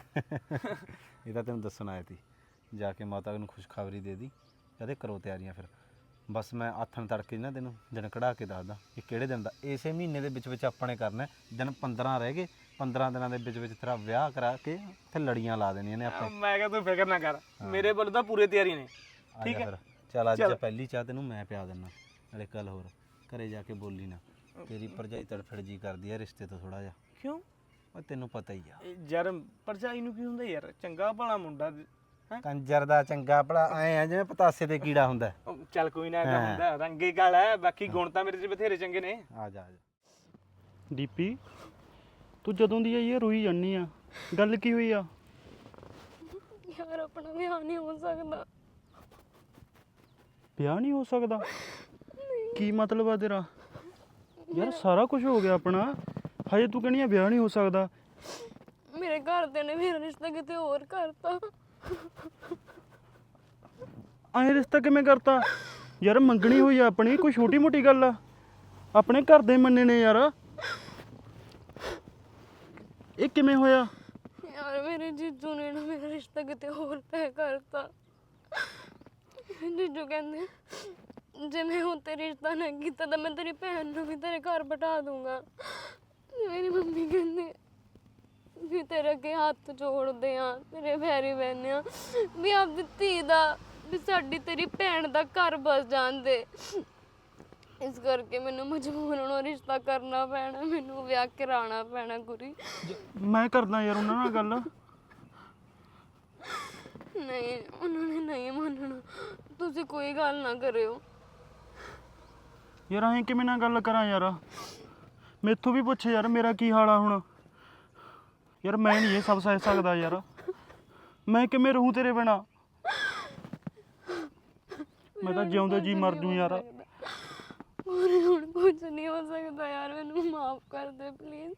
Speaker 2: ਇਹ ਤਾਂ ਤੈਨੂੰ ਦੱਸਣ ਆਇਆ ਸੀ, ਜਾ ਕੇ ਮਾਤਾ ਨੂੰ ਖੁਸ਼ਖਬਰੀ ਦੇ ਦੀ। ਕਹਿੰਦੇ ਕਰੋ ਤਿਆਰੀਆਂ। ਫਿਰ ਬਸ ਮੈਂ ਆਥਣ ਤੜਕੇ ਨਾ ਤੈਨੂੰ ਦਿਨ ਕਢਾ ਕੇ ਦੱਸਦਾ ਇਹ ਕਿਹੜੇ ਦਿਨ ਦਾ। ਇਸੇ ਮਹੀਨੇ ਦੇ ਵਿੱਚ ਆਪਣੇ ਕਰਨਾ ਦਿਨ। 15 ਰਹਿ ਗਏ, 15 ਦਿਨਾਂ ਦੇ ਵਿੱਚ ਤੇਰਾ ਵਿਆਹ ਕਰਾ ਕੇ ਤੇ ਲੜੀਆਂ ਲਾ ਦੇਣੀਆਂ ਨੇ ਆਪਣੇ।
Speaker 5: ਮੈਂ ਕਿਹਾ ਤੂੰ ਫਿਕਰ ਨਾ ਕਰ, ਮੇਰੇ ਵੱਲੋਂ ਤਾਂ ਪੂਰੇ ਤਿਆਰੀ ਨੇ। ਠੀਕ ਹੈ
Speaker 2: ਫਿਰ ਚੱਲ ਅੱਜ ਪਹਿਲੀ ਚਾਹ ਤੈਨੂੰ ਮੈਂ ਪਿਆ ਦਿੰਦਾ। ਨਾਲੇ ਕੱਲ ਹੋਰ ਘਰੇ ਜਾ ਕੇ ਬੋਲੀ ਨਾ, ਤੇਰੀ ਭਰਜਾਈ ਤੜਫੜ ਜੀ ਕਰਦੀ ਆ ਰਿਸ਼ਤੇ ਤੋਂ ਥੋੜਾ ਜਿਹਾ।
Speaker 5: ਕਿਉਂ?
Speaker 2: ਉਹ ਤੈਨੂੰ ਪਤਾ ਹੀ ਆ।
Speaker 5: ਯਾਰ ਭਰਜਾਈ ਨੂੰ ਕੀ ਹੁੰਦਾ ਯਾਰ? ਚੰਗਾ ਭਲਾ ਮੁੰਡਾ ਹੈ।
Speaker 2: ਕੰਜਰ ਦਾ ਚੰਗਾ ਭਲਾ ਐ ਆ ਜਿਵੇਂ ਪਤਾਸੇ ਤੇ ਕੀੜਾ ਹੁੰਦਾ।
Speaker 5: ਚੱਲ ਕੋਈ ਨਾ, ਇਹਦਾ ਹੁੰਦਾ ਰੰਗੇ ਕਾਲਾ ਹੈ, ਬਾਕੀ ਗੁਣ ਤਾਂ ਮੇਰੇ 'ਚ ਬਥੇਰੇ ਚੰਗੇ ਨੇ।
Speaker 2: ਆ ਜਾ ਆ ਜਾ।
Speaker 6: ਦੀਪੀ, ਤੂੰ ਜਦੋਂ ਦੀ ਆਈ ਹੈ ਰੋਈ ਜਾਂਦੀ ਆ। ਗੱਲ ਕੀ ਹੋਈ ਆ?
Speaker 1: ਯਾਰ ਆਪਣਾ ਵਿਆਹ ਨਹੀਂ ਹੋ ਸਕਦਾ।
Speaker 6: ਵਿਆਹ ਨਹੀਂ ਹੋ ਸਕਦਾ? ਕੀ ਮਤਲਬ ਆ ਤੇਰਾ? ਯਾਰ ਸਾਰਾ ਕੁਝ ਹੋ ਗਿਆ ਆਪਣਾ, ਹਜੇ ਤੂੰ ਕਹਿੰਦੀ ਆ ਵਿਆਹ ਨਹੀਂ ਹੋ ਸਕਦਾ।
Speaker 1: ਮੇਰੇ ਘਰਦਿਆਂ ਨੇ ਮੇਰਾ ਰਿਸ਼ਤਾ ਕਿਤੇ ਹੋਰ ਕਰਤਾ।
Speaker 6: ਐਂ ਰਿਸ਼ਤਾ ਕਿਵੇਂ ਕਰਤਾ? ਯਾਰ ਮੰਗਣੀ ਹੋਈ ਆ ਆਪਣੀ, ਕੋਈ ਛੋਟੀ ਮੋਟੀ ਗੱਲ ਆ? ਆਪਣੇ ਘਰ ਦੇ ਮੰਨੇ ਨੇ ਯਾਰ। ਇਹ ਕਿਵੇਂ ਹੋਇਆ?
Speaker 1: ਯਾਰ ਮੇਰੇ ਜੀਜੂ ਨੇ ਨਾ ਮੇਰਾ ਰਿਸ਼ਤਾ ਕਿਤੇ ਹੋਰ ਤੈਅ ਕਰਤਾ। ਜੀਜੂ ਕਹਿੰਦੇ ਜੇ ਮੈਂ ਹੁਣ ਤੇ ਰਿਸ਼ਤਾ ਨਾ ਕੀਤਾ ਤਾਂ ਮੈਂ ਤੇਰੀ ਭੈਣ ਨੂੰ ਵੀ ਤੇਰੇ ਘਰ ਬਿਠਾ ਦੂੰਗਾ। ਮੇਰੀ ਮੰਮੀ ਕਹਿੰਦੀ ਵੀ ਤੇਰੇ ਅੱਗੇ ਹੱਥ ਜੋੜਦੇ ਆ, ਤੇਰੇ ਪੈਰੀ ਪੈਂਦੇ ਆ ਵੀ ਆਪਦੀ ਧੀ ਦਾ, ਵੀ ਸਾਡੀ ਤੇਰੀ ਭੈਣ ਦਾ ਘਰ ਬਸ ਜਾਂਦੇ। ਇਸ ਕਰਕੇ ਮੈਨੂੰ ਮਜਬੂਰ ਹੋਣਾ ਰਿਸ਼ਤਾ ਕਰਨਾ ਪੈਣਾ, ਮੈਨੂੰ ਵਿਆਹ ਕਰਾਉਣਾ ਪੈਣਾ। ਗੁਰੀ
Speaker 6: ਮੈਂ ਕਰਦਾ ਯਾਰ ਉਹਨਾਂ ਨਾਲ ਗੱਲ।
Speaker 1: ਨਹੀਂ, ਉਹਨਾਂ ਨੇ ਨਹੀਂ ਮੰਨਣਾ। ਤੁਸੀਂ ਕੋਈ ਗੱਲ ਨਾ ਕਰਿਓ।
Speaker 6: ਯਾਰ ਐਂ ਕਿਵੇਂ ਨਾ ਗੱਲ ਕਰਾਂ ਯਾਰ? ਮੈਥੋਂ ਵੀ ਪੁੱਛ ਯਾਰ ਮੇਰਾ ਕੀ ਹਾਲ ਆ ਹੁਣ। ਯਾਰ ਮੈਂ ਨਹੀਂ ਇਹ ਸਭ ਸਹਿ ਸਕਦਾ ਯਾਰ। ਮੈਂ ਕਿਵੇਂ ਰਹੂੰ ਤੇਰੇ ਬਿਨਾ? ਮੈਂ ਤਾਂ ਜਿਉਂਦਾ ਜੀ ਮਰ ਜੂ ਯਾਰ।
Speaker 1: ਹੁਣ ਕੁਝ ਨਹੀਂ ਹੋ ਸਕਦਾ ਯਾਰ, ਮੈਨੂੰ ਮਾਫ ਕਰ ਦੇ ਪਲੀਜ਼।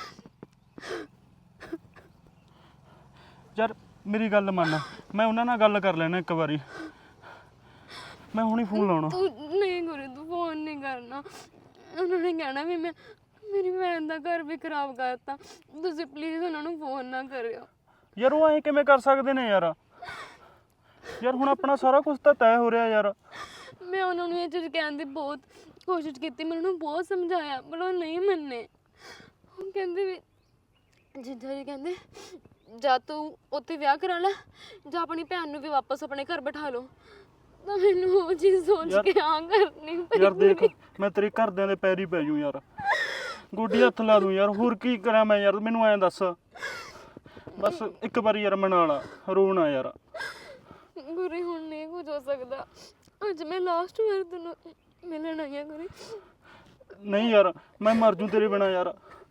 Speaker 6: ਯਾਰ ਮੇਰੀ ਗੱਲ ਮੰਨ, ਮੈਂ ਉਹਨਾਂ ਨਾਲ ਗੱਲ ਕਰ ਲੈਣਾ ਇੱਕ ਵਾਰੀ। ਮੈਂ ਹੁਣੀ ਫੋਨ ਲਾਉਣਾ।
Speaker 1: ਤੂੰ ਨਹੀਂ ਗੁਰੂ, ਤੂੰ ਫੋਨ ਨਹੀਂ ਕਰਨਾ। ਉਹਨਾਂ ਨੇ ਕਹਿਣਾ ਵੀ ਮੈਂ ਮੇਰੀ ਭੈਣ ਦਾ ਘਰ ਵੀ ਖਰਾਬ ਕਰਤਾ। ਤੁਸੀਂ ਪਲੀਜ਼ ਉਹਨਾਂ ਨੂੰ ਫੋਨ ਨਾ ਕਰਿਓ।
Speaker 6: ਯਾਰ ਉਹ ਐਂ ਕਿਵੇਂ ਕਰ ਸਕਦੇ ਨੇ ਯਾਰ? ਯਾਰ ਹੁਣ ਆਪਣਾ ਸਾਰਾ ਕੁਝ ਤਾਂ ਤੈਅ ਹੋ ਰਿਹਾ ਯਾਰ।
Speaker 1: ਮੈਂ ਉਹਨਾਂ ਨੂੰ ਇਹ ਚੀਜ਼ ਕਹਿਣ ਦੀ ਬਹੁਤ ਕੋਸ਼ਿਸ਼ ਕੀਤੀ, ਮੈਂ ਉਹਨਾਂ ਨੂੰ ਬਹੁਤ ਸਮਝਾਇਆ ਪਰ ਉਹ ਨਹੀਂ ਮੰਨੇ। ਉਹ ਕਹਿੰਦੇ ਵੀ ਜਿੱਦਾਂ ਜੀ ਕਹਿੰਦੇ ਜਾਂ ਤੂੰ ਉੱਥੇ ਵਿਆਹ ਕਰਾ ਲੈ ਜਾਂ ਆਪਣੀ ਭੈਣ ਨੂੰ ਵੀ ਵਾਪਸ ਆਪਣੇ ਘਰ ਬਿਠਾ ਲਓ। ਤਾਂ ਮੈਨੂੰ ਉਹ ਚੀਜ਼ ਸੋਚ ਕੇ ਹਾਂ ਕਰਨੀ ਪਈ।
Speaker 6: ਯਾਰ ਦੇਖ, ਮੈਂ ਤੇਰੇ ਘਰਦਿਆਂ ਦੇ ਪੈਰੀ ਪੈ ਜੂ ਯਾਰ। ਗੋਡੀ ਹੱਥ ਲਾ ਦੂੰ ਯਾਰ, ਹੋਰ ਕੀ ਕਰਾਂ ਮੈਂ ਯਾਰ, ਮੈਨੂੰ ਐਂ ਦੱਸ। ਬਸ ਇੱਕ ਵਾਰੀ ਯਾਰ ਮਨਾ ਲਾ, ਰੋਣਾ ਯਾਰ।
Speaker 1: ਗੁਰੀ ਹੁਣ ਨਹੀਂ ਕੁਝ ਹੋ ਸਕਦਾ। ਅੱਜ ਮੈਂ ਲਾਸਟ ਵਾਰ ਤੈਨੂੰ ਮਿਲਣ ਆਈ ਹਾਂ ਗੁਰੀ।
Speaker 6: ਨਹੀਂ ਯਾਰ, ਮੈਂ ਮਰ ਜੂ ਤੇਰੇ ਬਿਨਾ ਯਾਰ।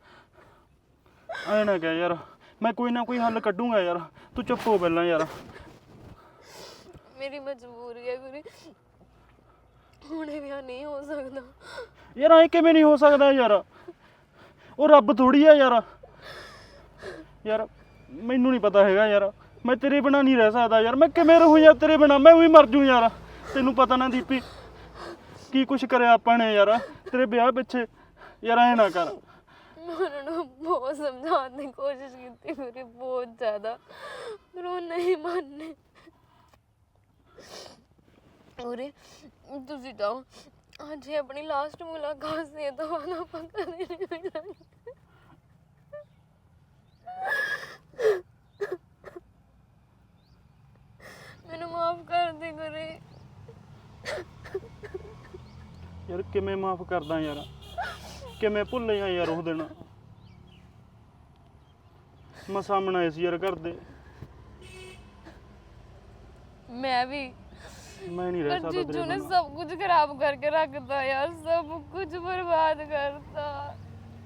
Speaker 6: ਐ ਨਾ ਕਹਿ ਯਾਰ, ਮੈਂ ਕੋਈ ਨਾ ਕੋਈ ਹੱਲ ਕੱਢੂੰਗਾ ਯਾਰ, ਤੂੰ ਚੁੱਪ ਹੋ ਪਹਿਲਾਂ ਯਾਰ।
Speaker 1: ਮੇਰੀ ਮਜਬੂਰੀ ਹੈ ਗੁਰੀ, ਹੁਣ ਇਹ ਵਿਆਹ ਨਹੀਂ ਹੋ ਸਕਦਾ।
Speaker 6: ਯਾਰ ਐ ਕਿਵੇਂ ਨਹੀਂ ਹੋ ਸਕਦਾ ਯਾਰ, ਉਹ ਰੱਬ ਥੋੜੀ ਆ ਯਾਰ। ਯਾਰ ਮੈਨੂੰ ਨਹੀਂ ਪਤਾ ਹੈਗਾ ਯਾਰ, ਮੈਂ ਤੇਰੇ ਬਿਨਾ ਨਹੀਂ ਰਹਿ ਸਕਦਾ ਯਾਰ। ਮੈਂ ਕਿਵੇਂ ਰਹੂੰ ਯਾਰ ਤੇਰੇ ਬਿਨਾ, ਮੈਂ ਵੀ ਮਰ ਜੂ ਯਾਰ। ਤੈਨੂੰ ਪਤਾ ਨਾ ਦੀਪੀ ਕੀ ਕੁਛ ਕਰਿਆ ਆਪਾਂ ਨੇ ਯਾਰ ਤੇਰੇ ਵਿਆਹ ਪਿੱਛੇ। ਯਾਰ ਐ ਨਾ ਕਰ।
Speaker 1: ਮੈਂ ਉਹਨਾਂ ਨੂੰ ਬਹੁਤ ਸਮਝਾਉਣ ਦੀ ਕੋਸ਼ਿਸ਼ ਕੀਤੀ ਗੁਰੀ, ਬਹੁਤ ਜ਼ਿਆਦਾ, ਪਰ ਉਹ ਨਹੀਂ ਮੰਨੇ। ਗੁਰੀ ਤੁਸੀਂ ਜਾਓ, ਅੱਜ ਹੀ ਆਪਣੀ ਲਾਸਟ ਮੁਲਾਕਾਤ ਸੀ, ਤਾਂ ਬਾਅਦ ਆਪਾਂ ਕਦੇ ਨਹੀਂ ਮਿਲਾਂਗੇ। ਮੈਨੂੰ ਮਾਫ ਕਰ ਦੇ ਗੁਰੀ।
Speaker 6: ਯਾਰ ਕਿਵੇਂ ਮਾਫ ਕਰਦਾ ਯਾਰ, ਕਿਵੇਂ ਭੁੱਲਿਆ ਯਾਰ ਉਹ ਦਿਨ। ਮਸਾਂ ਬਣਾਏ ਸੀ ਯਾਰ ਘਰ ਦੇ।
Speaker 1: ਮੈਂ ਵੀ,
Speaker 6: ਮੈਂ ਨਹੀਂ ਰਹਿ
Speaker 1: ਪਰ
Speaker 6: ਸਕਦਾ
Speaker 1: ਜੀਜੂ
Speaker 6: ਤੇਰੇ
Speaker 1: ਨੇ
Speaker 6: ਬਿਨਾ।
Speaker 1: ਸਭ ਕੁਝ ਖਰਾਬ ਕਰਕੇ ਰੱਖਤਾ ਯਾਰ, ਸਭ ਕੁਝ ਬਰਬਾਦ ਕਰਤਾ।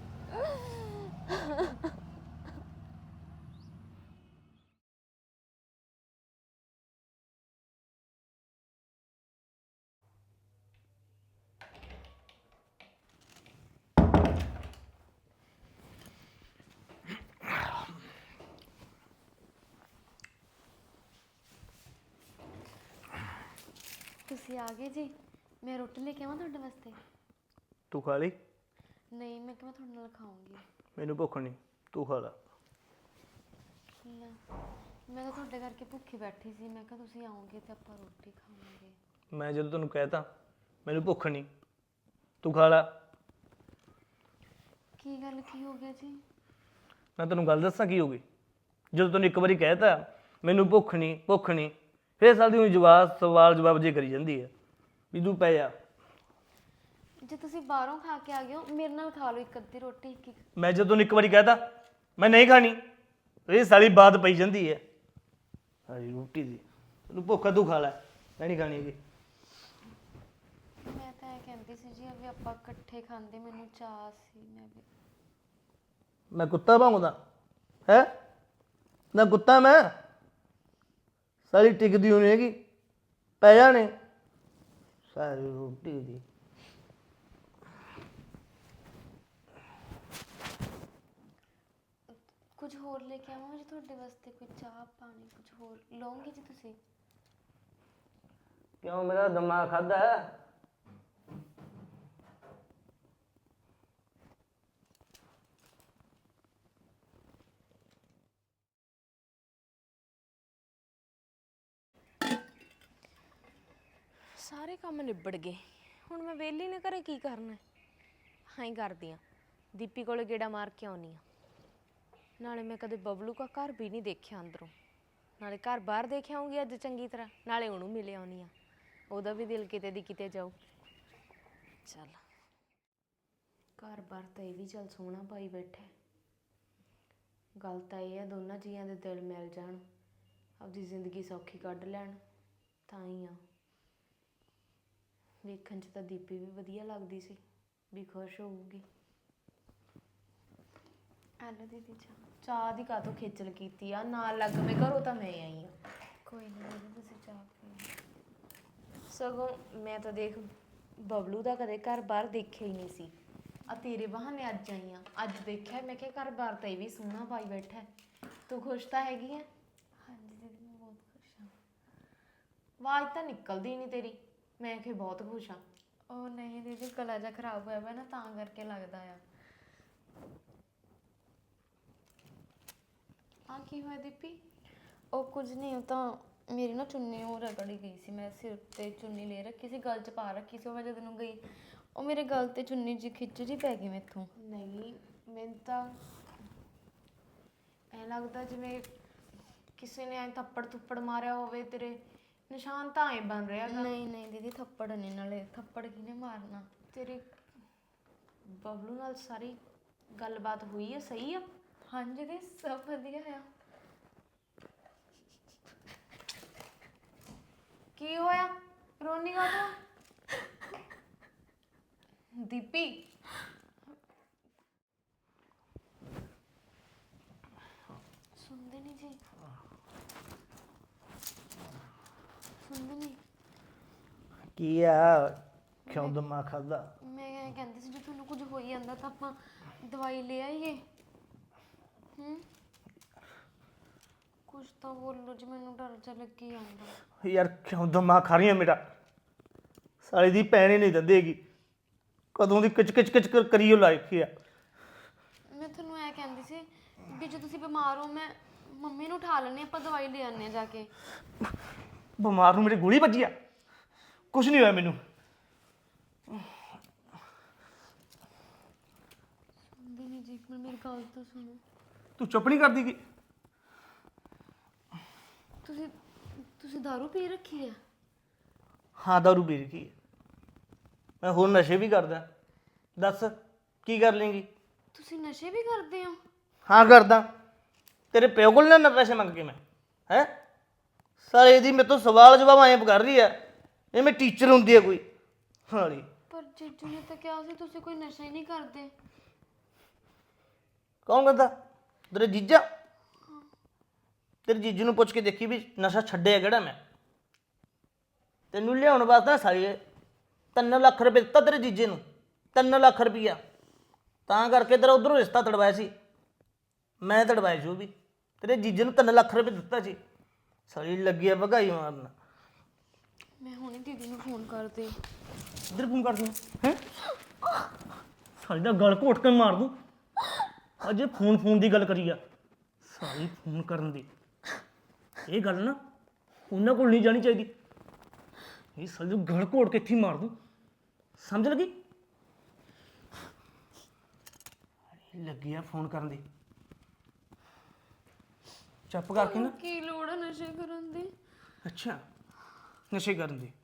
Speaker 1: ਤੁਸੀਂ ਆ ਗਏ ਜੀ, ਮੈਂ ਰੋਟੀ ਲੈ ਕੇ ਆਵਾਂ ਤੁਹਾਡੇ ਵਾਸਤੇ?
Speaker 5: ਤੂੰ ਖਾ ਲਈ?
Speaker 1: ਨਹੀਂ, ਮੈਂ ਕਿਹਾ ਤੁਹਾਡੇ ਨਾਲ ਖਾਊਂਗੀ।
Speaker 5: ਮੈਨੂੰ ਭੁੱਖ ਨਹੀਂ, ਤੂੰ ਖਾ ਲਾ।
Speaker 1: ਲੈ, ਮੈਂ ਤਾਂ ਤੁਹਾਡੇ ਕਰਕੇ ਭੁੱਖੀ ਬੈਠੀ ਸੀ, ਮੈਂ ਕਿਹਾ ਤੁਸੀਂ ਆਓਗੇ ਤੇ ਆਪਾਂ ਰੋਟੀ ਖਾਵਾਂਗੇ।
Speaker 5: ਮੈਂ ਜਦੋਂ ਤੈਨੂੰ ਕਹਿਤਾ ਮੈਨੂੰ ਭੁੱਖ ਨਹੀਂ, ਤੂੰ ਖਾ ਲਾ।
Speaker 1: ਕੀ ਗੱਲ, ਕੀ ਹੋ ਗਿਆ ਜੀ?
Speaker 5: ਮੈਂ ਤੈਨੂੰ ਗੱਲ ਦੱਸਾਂ ਕੀ ਹੋ ਗਈ? ਜਦੋਂ ਤੈਨੂੰ ਇੱਕ ਵਾਰੀ ਕਹਿਤਾ ਮੈਨੂੰ ਭੁੱਖ ਨਹੀਂ ਭੁੱਖ ਨਹੀਂ, ਫੇਰ ਸਾਲ ਦੀ ਉਹ ਸਵਾਲ ਜਵਾਬ ਜੇ ਕਰੀ ਜਾਂਦੀ ਹੈ ਵੀ ਤੂੰ ਪੈ ਜਾ।
Speaker 1: ਜੇ ਤੁਸੀਂ ਬਾਹਰੋਂ ਖਾ ਕੇ ਆ ਗਏ ਹੋ, ਮੇਰੇ ਨਾਲ ਖਾ ਲਓ ਇੱਕ ਅੱਧੀ ਰੋਟੀ। ਇੱਕ
Speaker 5: ਮੈਂ ਜਦੋਂ ਤੈਨੂੰ ਇੱਕ ਵਾਰੀ ਕਹਿਤਾ ਮੈਂ ਨਹੀਂ ਖਾਣੀ, ਇਹ ਸਾਲੀ ਬਾਤ ਪਈ ਜਾਂਦੀ ਹੈ ਸਾਰੀ ਰੋਟੀ ਦੀ। ਤੈਨੂੰ ਭੁੱਖ ਆ, ਤੂੰ ਖਾ ਲੈ, ਮੈਂ ਨਹੀਂ ਖਾਣੀ ਹੈਗੀ।
Speaker 1: ਮੈਂ ਤਾਂ ਇਹ ਕਹਿੰਦੀ ਸੀ ਜੀ ਵੀ ਆਪਾਂ ਇਕੱਠੇ ਖਾਂਦੇ, ਮੈਨੂੰ ਚਾਅ ਸੀ।
Speaker 5: ਮੈਂ ਕੁੱਤਾ ਭੌਂਕਦਾ ਹੈ ਨਾ? ਕੁੱਤਾ ਮੈਂ? ਸਾਰੀ ਟਿਕਦੀ ਹੋਣੀ ਹੈਗੀ, ਪੈ ਜਾਣੇ ਸਾਰੀ ਰੋਟੀ ਦੀ।
Speaker 1: ਕੁਝ ਹੋਰ ਲੈ ਕੇ ਆਵਾਂ ਜੀ ਤੁਹਾਡੇ ਵਾਸਤੇ? ਕੋਈ ਚਾਹ ਪਾਣੀ ਕੁਝ ਹੋਰ ਲਓਗੇ ਜੀ ਤੁਸੀਂ?
Speaker 5: ਕਿਉਂ, ਮੇਰਾ ਦਿਮਾਗ ਖਾਦਾ ਹੈ?
Speaker 1: ਸਾਰੇ ਕੰਮ ਨਿਬੜ ਗਏ, ਹੁਣ ਮੈਂ ਵਿਹਲੀ ਨੇ ਘਰੇ ਕੀ ਕਰਨਾ? ਹਾਂ ਹੀ ਕਰਦੀ ਆ, ਦੀਪੀ ਕੋਲੇ ਗੇੜਾ ਮਾਰ ਕੇ ਆਉਣੀ ਆ। ਨਾਲੇ ਮੈਂ ਕਦੇ ਬਬਲੂ ਦਾ ਘਰ ਵੀ ਨਹੀਂ ਦੇਖਿਆ ਅੰਦਰੋਂ, ਨਾਲੇ ਘਰ ਬਾਹਰ ਦੇਖ ਆਉਂਗੀ ਅੱਜ ਚੰਗੀ ਤਰ੍ਹਾਂ, ਨਾਲੇ ਉਹਨੂੰ ਮਿਲ ਆਉਣੀ ਆ, ਉਹਦਾ ਵੀ ਦਿਲ ਕਿਤੇ ਦੀ ਕਿਤੇ ਜਾਊ। ਚੱਲ ਘਰ ਬਾਹਰ ਤਾਂ ਇਹ ਵੀ ਚੱਲ ਸੋਹਣਾ ਪਾਈ ਬੈਠਾ। ਗੱਲ ਤਾਂ ਇਹ ਆ ਦੋਨਾਂ ਜੀਆਂ ਦੇ ਦਿਲ ਮਿਲ ਜਾਣ, ਆਪਦੀ ਜ਼ਿੰਦਗੀ ਸੌਖੀ ਕੱਢ ਲੈਣ, ਤਾਂ ਹੀ ਆ। ਵੇਖਣ 'ਚ ਤਾਂ ਦੀਪੀ ਵੀ ਵਧੀਆ ਲੱਗਦੀ ਸੀ, ਵੀ ਖੁਸ਼ ਹੋਊਗੀ। ਆਲੋ ਦੀਦੀ ਚਾਹ ਦੀ ਕਾਹਤੋਂ ਖੇਚਲ ਕੀਤੀ ਆ? ਨਾਲ ਲੱਗ ਮੈਂ ਘਰੋਂ ਤਾਂ ਮੈਂ ਆਈ ਆ। ਕੋਈ ਨਹੀਂ ਦੀਦੀ, ਤੁਸੀਂ ਚਾਹ ਪੀਓ। ਸਗੋਂ ਮੈਂ ਤਾਂ ਦੇਖ ਬਬਲੂ ਦਾ ਕਦੇ ਘਰ ਬਾਹਰ ਦੇਖਿਆ ਹੀ ਨਹੀਂ ਸੀ, ਆ ਤੇਰੇ ਬਹਾਨੇ ਅੱਜ ਆਈ ਆ, ਅੱਜ ਦੇਖਿਆ। ਮੈਂ ਕਿਹਾ ਘਰ ਬਾਹਰ ਤਾਂ ਇਹ ਵੀ ਸੋਹਣਾ ਪਾਈ ਬੈਠਾ। ਤੂੰ ਖੁਸ਼ ਤਾਂ ਹੈਗੀ ਆ? ਹਾਂਜੀ ਦੀਦੀ, ਮੈਂ ਬਹੁਤ ਖੁਸ਼ ਹਾਂ। ਆਵਾਜ਼ ਤਾਂ ਨਿਕਲਦੀ ਨਹੀਂ ਤੇਰੀ, ਮੈਂ ਕਿ ਬਹੁਤ ਖੁਸ਼ ਹਾਂ। ਉਹ ਨਹੀਂ ਦੀਦੀ, ਗਲਾ ਜਿਹਾ ਖਰਾਬ ਹੋਇਆ ਵਾ ਨਾ, ਤਾਂ ਕਰਕੇ ਲੱਗਦਾ ਆ। ਆ ਕੀ ਹੋਇਆ ਦੀਪੀ? ਉਹ ਕੁਝ ਨਹੀਂ, ਉਹ ਤਾਂ ਮੇਰੀ ਨਾ ਚੁੰਨੀ ਉਹ ਰਗੜੀ ਗਈ ਸੀ, ਮੈਂ ਸਿਰ ਤੇ ਚੁੰਨੀ ਲੈ ਰੱਖੀ ਸੀ, ਗਲ 'ਚ ਪਾ ਰੱਖੀ ਸੀ, ਉਹ ਮੈਂ ਜਦੋਂ ਗਈ ਉਹ ਮੇਰੇ ਗਲ ਤੇ ਚੁੰਨੀ ਜੀ ਖਿੱਚ ਜੀ ਪੈ ਗਈ ਮੈਥੋਂ। ਨਹੀਂ, ਮੈਨੂੰ ਤਾਂ ਐਂ ਲੱਗਦਾ ਜਿਵੇਂ ਕਿਸੇ ਨੇ ਐਂ ਥੱਪੜ ਮਾਰਿਆ ਹੋਵੇ, ਤੇਰੇ ਨਿਸ਼ਾਨ ਤਾਂ ਐਂ ਬਣ ਰਿਹਾ। ਨਹੀਂ ਨਹੀਂ ਦੀਦੀ, ਥੱਪੜ ਨਹੀਂ, ਨਾਲੇ ਥੱਪੜ ਕਿਹਨੇ ਮਾਰਨਾ? ਤੇਰੀ ਬਬਲੂ ਨਾਲ ਸਾਰੀ
Speaker 7: ਗੱਲਬਾਤ ਹੋਈ ਆ ਸਹੀ ਆ?
Speaker 1: ਹਾਂਜੀ ਦੀ ਸਭ ਵਧੀਆ ਆ।
Speaker 7: ਕੀ ਹੋਇਆ ਰੋਣੀ ਕਾ ਦੀਪੀ?
Speaker 1: ਸੁਣਦੇ ਨਹੀਂ ਜੀ, ਸੁਣਦੇ ਨਹੀਂ।
Speaker 5: ਕੀ ਆ ਕਿਉਂ ਦਿਮਾਗ ਖਾਦਾ?
Speaker 1: ਮੈਂ ਕਹਿੰਦੀ ਸੀ ਜੇ ਤੁਹਾਨੂੰ ਕੁਝ ਹੋਈ ਜਾਂਦਾ ਤਾਂ ਆਪਾਂ ਦਵਾਈ ਲੈ ਆਈਏ। ਕੁਝ ਤਾਂ ਬੋਲੋ ਜੀ, ਮੈਨੂੰ ਡਰ ਜਿਹਾ ਲੱਗੀ ਜਾਂਦਾ।
Speaker 5: ਯਾਰ ਕਿਉਂ ਦਿਮਾਗ ਖਾ ਰਹੀ ਆ ਮੇਰਾ? ਸਾਲੀ ਦੀ ਭੈਣ ਹੀ ਨਹੀਂ ਦਿੰਦੇਗੀ, ਕਦੋਂ ਦੀ ਕਿਚ ਕਿਚ ਕਿਚ ਕਰੀਓ ਲਾਇਕੀ ਆ।
Speaker 1: ਮੈਂ ਤੁਹਾਨੂੰ ਐ ਕਹਿੰਦੀ ਸੀ ਵੀ ਜੇ ਤੁਸੀਂ ਬਿਮਾਰ ਹੋ ਮੈਂ ਮੰਮੀ ਨੂੰ ਉਠਾ ਲੈਣੇ, ਆਪਾਂ ਦਵਾਈ ਲੈ ਆਉਂਦੇ ਹਾਂ ਜਾ ਕੇ।
Speaker 5: ਬਿਮਾਰ ਨੂੰ ਮੇਰੀ ਗੋਲੀ ਵੱਜੀ ਆ? ਕੁਝ ਨਹੀਂ ਹੋਇਆ ਮੈਨੂੰ।
Speaker 1: ਸੁਣਦੇ ਨਹੀਂ ਜੀ, ਇੱਕ ਮਿੰਟ ਮੇਰੀ ਗੱਲ ਤਾਂ ਸੁਣੋ।
Speaker 5: ਤੂੰ ਚੁੱਪ ਨਹੀਂ ਕਰਦੀ ਕਿ?
Speaker 1: ਤੁਸੀਂ ਦਾਰੂ ਪੀ ਰੱਖੀ ਹੈ?
Speaker 5: ਹਾਂ ਦਾਰੂ ਪੀ ਰੱਖੀ ਹੈ ਮੈਂ, ਹੋਰ ਨਸ਼ੇ ਵੀ ਕਰਦਾ। ਦੱਸ ਕੀ ਕਰ ਲੇਂਗੀ?
Speaker 1: ਤੁਸੀਂ ਨਸ਼ੇ ਵੀ ਕਰਦੇ ਹੋ?
Speaker 5: ਹਾਂ ਕਰਦਾ। ਤੇਰੇ ਪਿਓ ਕੋਲ ਨਾ ਪੈਸੇ ਮੰਗ ਕੇ ਮੈਂ ਹੈ? ਸਾਲੇ ਦੀ ਮੇਰੇ ਤੋਂ ਸਵਾਲ ਜਵਾਬ ਐਂ ਕਰ ਰਹੀ ਆ ਇਹ ਮੈਂ ਟੀਚਰ ਹੁੰਦੀ ਆ ਕੋਈ ਹਾਲੀ।
Speaker 1: ਪਰ ਜੀਜੂ ਨੇ ਤਾਂ ਕਿਹਾ ਸੀ ਤੁਸੀਂ ਕੋਈ ਨਸ਼ਾ ਹੀ ਨਹੀਂ ਕਰਦੇ।
Speaker 5: ਕੌਣ ਕਹਿੰਦਾ? ਤੇਰੇ ਜੀਜਾ? ਤੇਰੇ ਜੀਜੂ ਨੂੰ ਪੁੱਛ ਕੇ ਦੇਖੀ ਵੀ ਨਸ਼ਾ ਛੱਡਿਆ ਕਿਹੜਾ ਮੈਂ। ਤੈਨੂੰ ਲਿਆਉਣ ਵਾਸਤੇ ਸਾਲੀ 3 ਲੱਖ ਰੁਪਏ ਦਿੱਤਾ ਤੇਰੇ ਜੀਜੇ ਨੂੰ, 3 ਲੱਖ ਰੁਪਈਆ। ਤਾਂ ਕਰਕੇ ਤੇਰਾ ਉਧਰੋਂ ਰਿਸ਼ਤਾ ਤੜਵਾਇਆ ਸੀ, ਮੈਂ ਤੜਵਾਇਆ ਸੀ ਉਹ ਵੀ। ਤੇਰੇ ਜੀਜੇ ਨੂੰ 3 ਲੱਖ ਰੁਪਏ ਦਿੱਤਾ ਸੀ। ਸਾਲੀ ਲੱਗੀ ਆ ਭਗਾਈ ਮਾਰਨ।
Speaker 1: ਮੈਂ ਹੁਣੇ ਦੀਦੀ ਨੂੰ ਫੋਨ ਕਰਦੀ।
Speaker 5: ਇੱਧਰ ਫੋਨ ਕਰ ਦੂੰ ਹੈ? ਸਾਲੀ ਦਾ ਗਲ ਘੋਟ ਕੇ ਮਾਰ ਦੂੰ। ਅਜੇ ਫੋਨ ਦੀ ਗੱਲ ਕਰੀ ਆ, ਸਾਲੀ ਫੋਨ ਕਰਨ ਦੀ। ਇਹ ਗੱਲ ਨਾ ਉਹਨਾਂ ਕੋਲ ਨਹੀਂ ਜਾਣੀ ਚਾਹੀਦੀ। ਇਹ ਸਾਲੀ ਨੂੰ ਗਲ ਘੋਟ ਕੇ ਇੱਥੇ ਹੀ ਮਾਰ ਦੂੰ, ਸਮਝ ਲੱਗੀ? ਲੱਗੀ ਆ ਫੋਨ ਕਰਨ ਦੀ। ਚੁੱਪ ਕਰਕੇ ਨਾ।
Speaker 1: ਕੀ ਲੋੜ ਹੈ ਨਸ਼ੇ ਕਰਨ ਦੀ?
Speaker 5: ਅੱਛਾ ਨਸ਼ੇ ਕਰਨ ਦੀ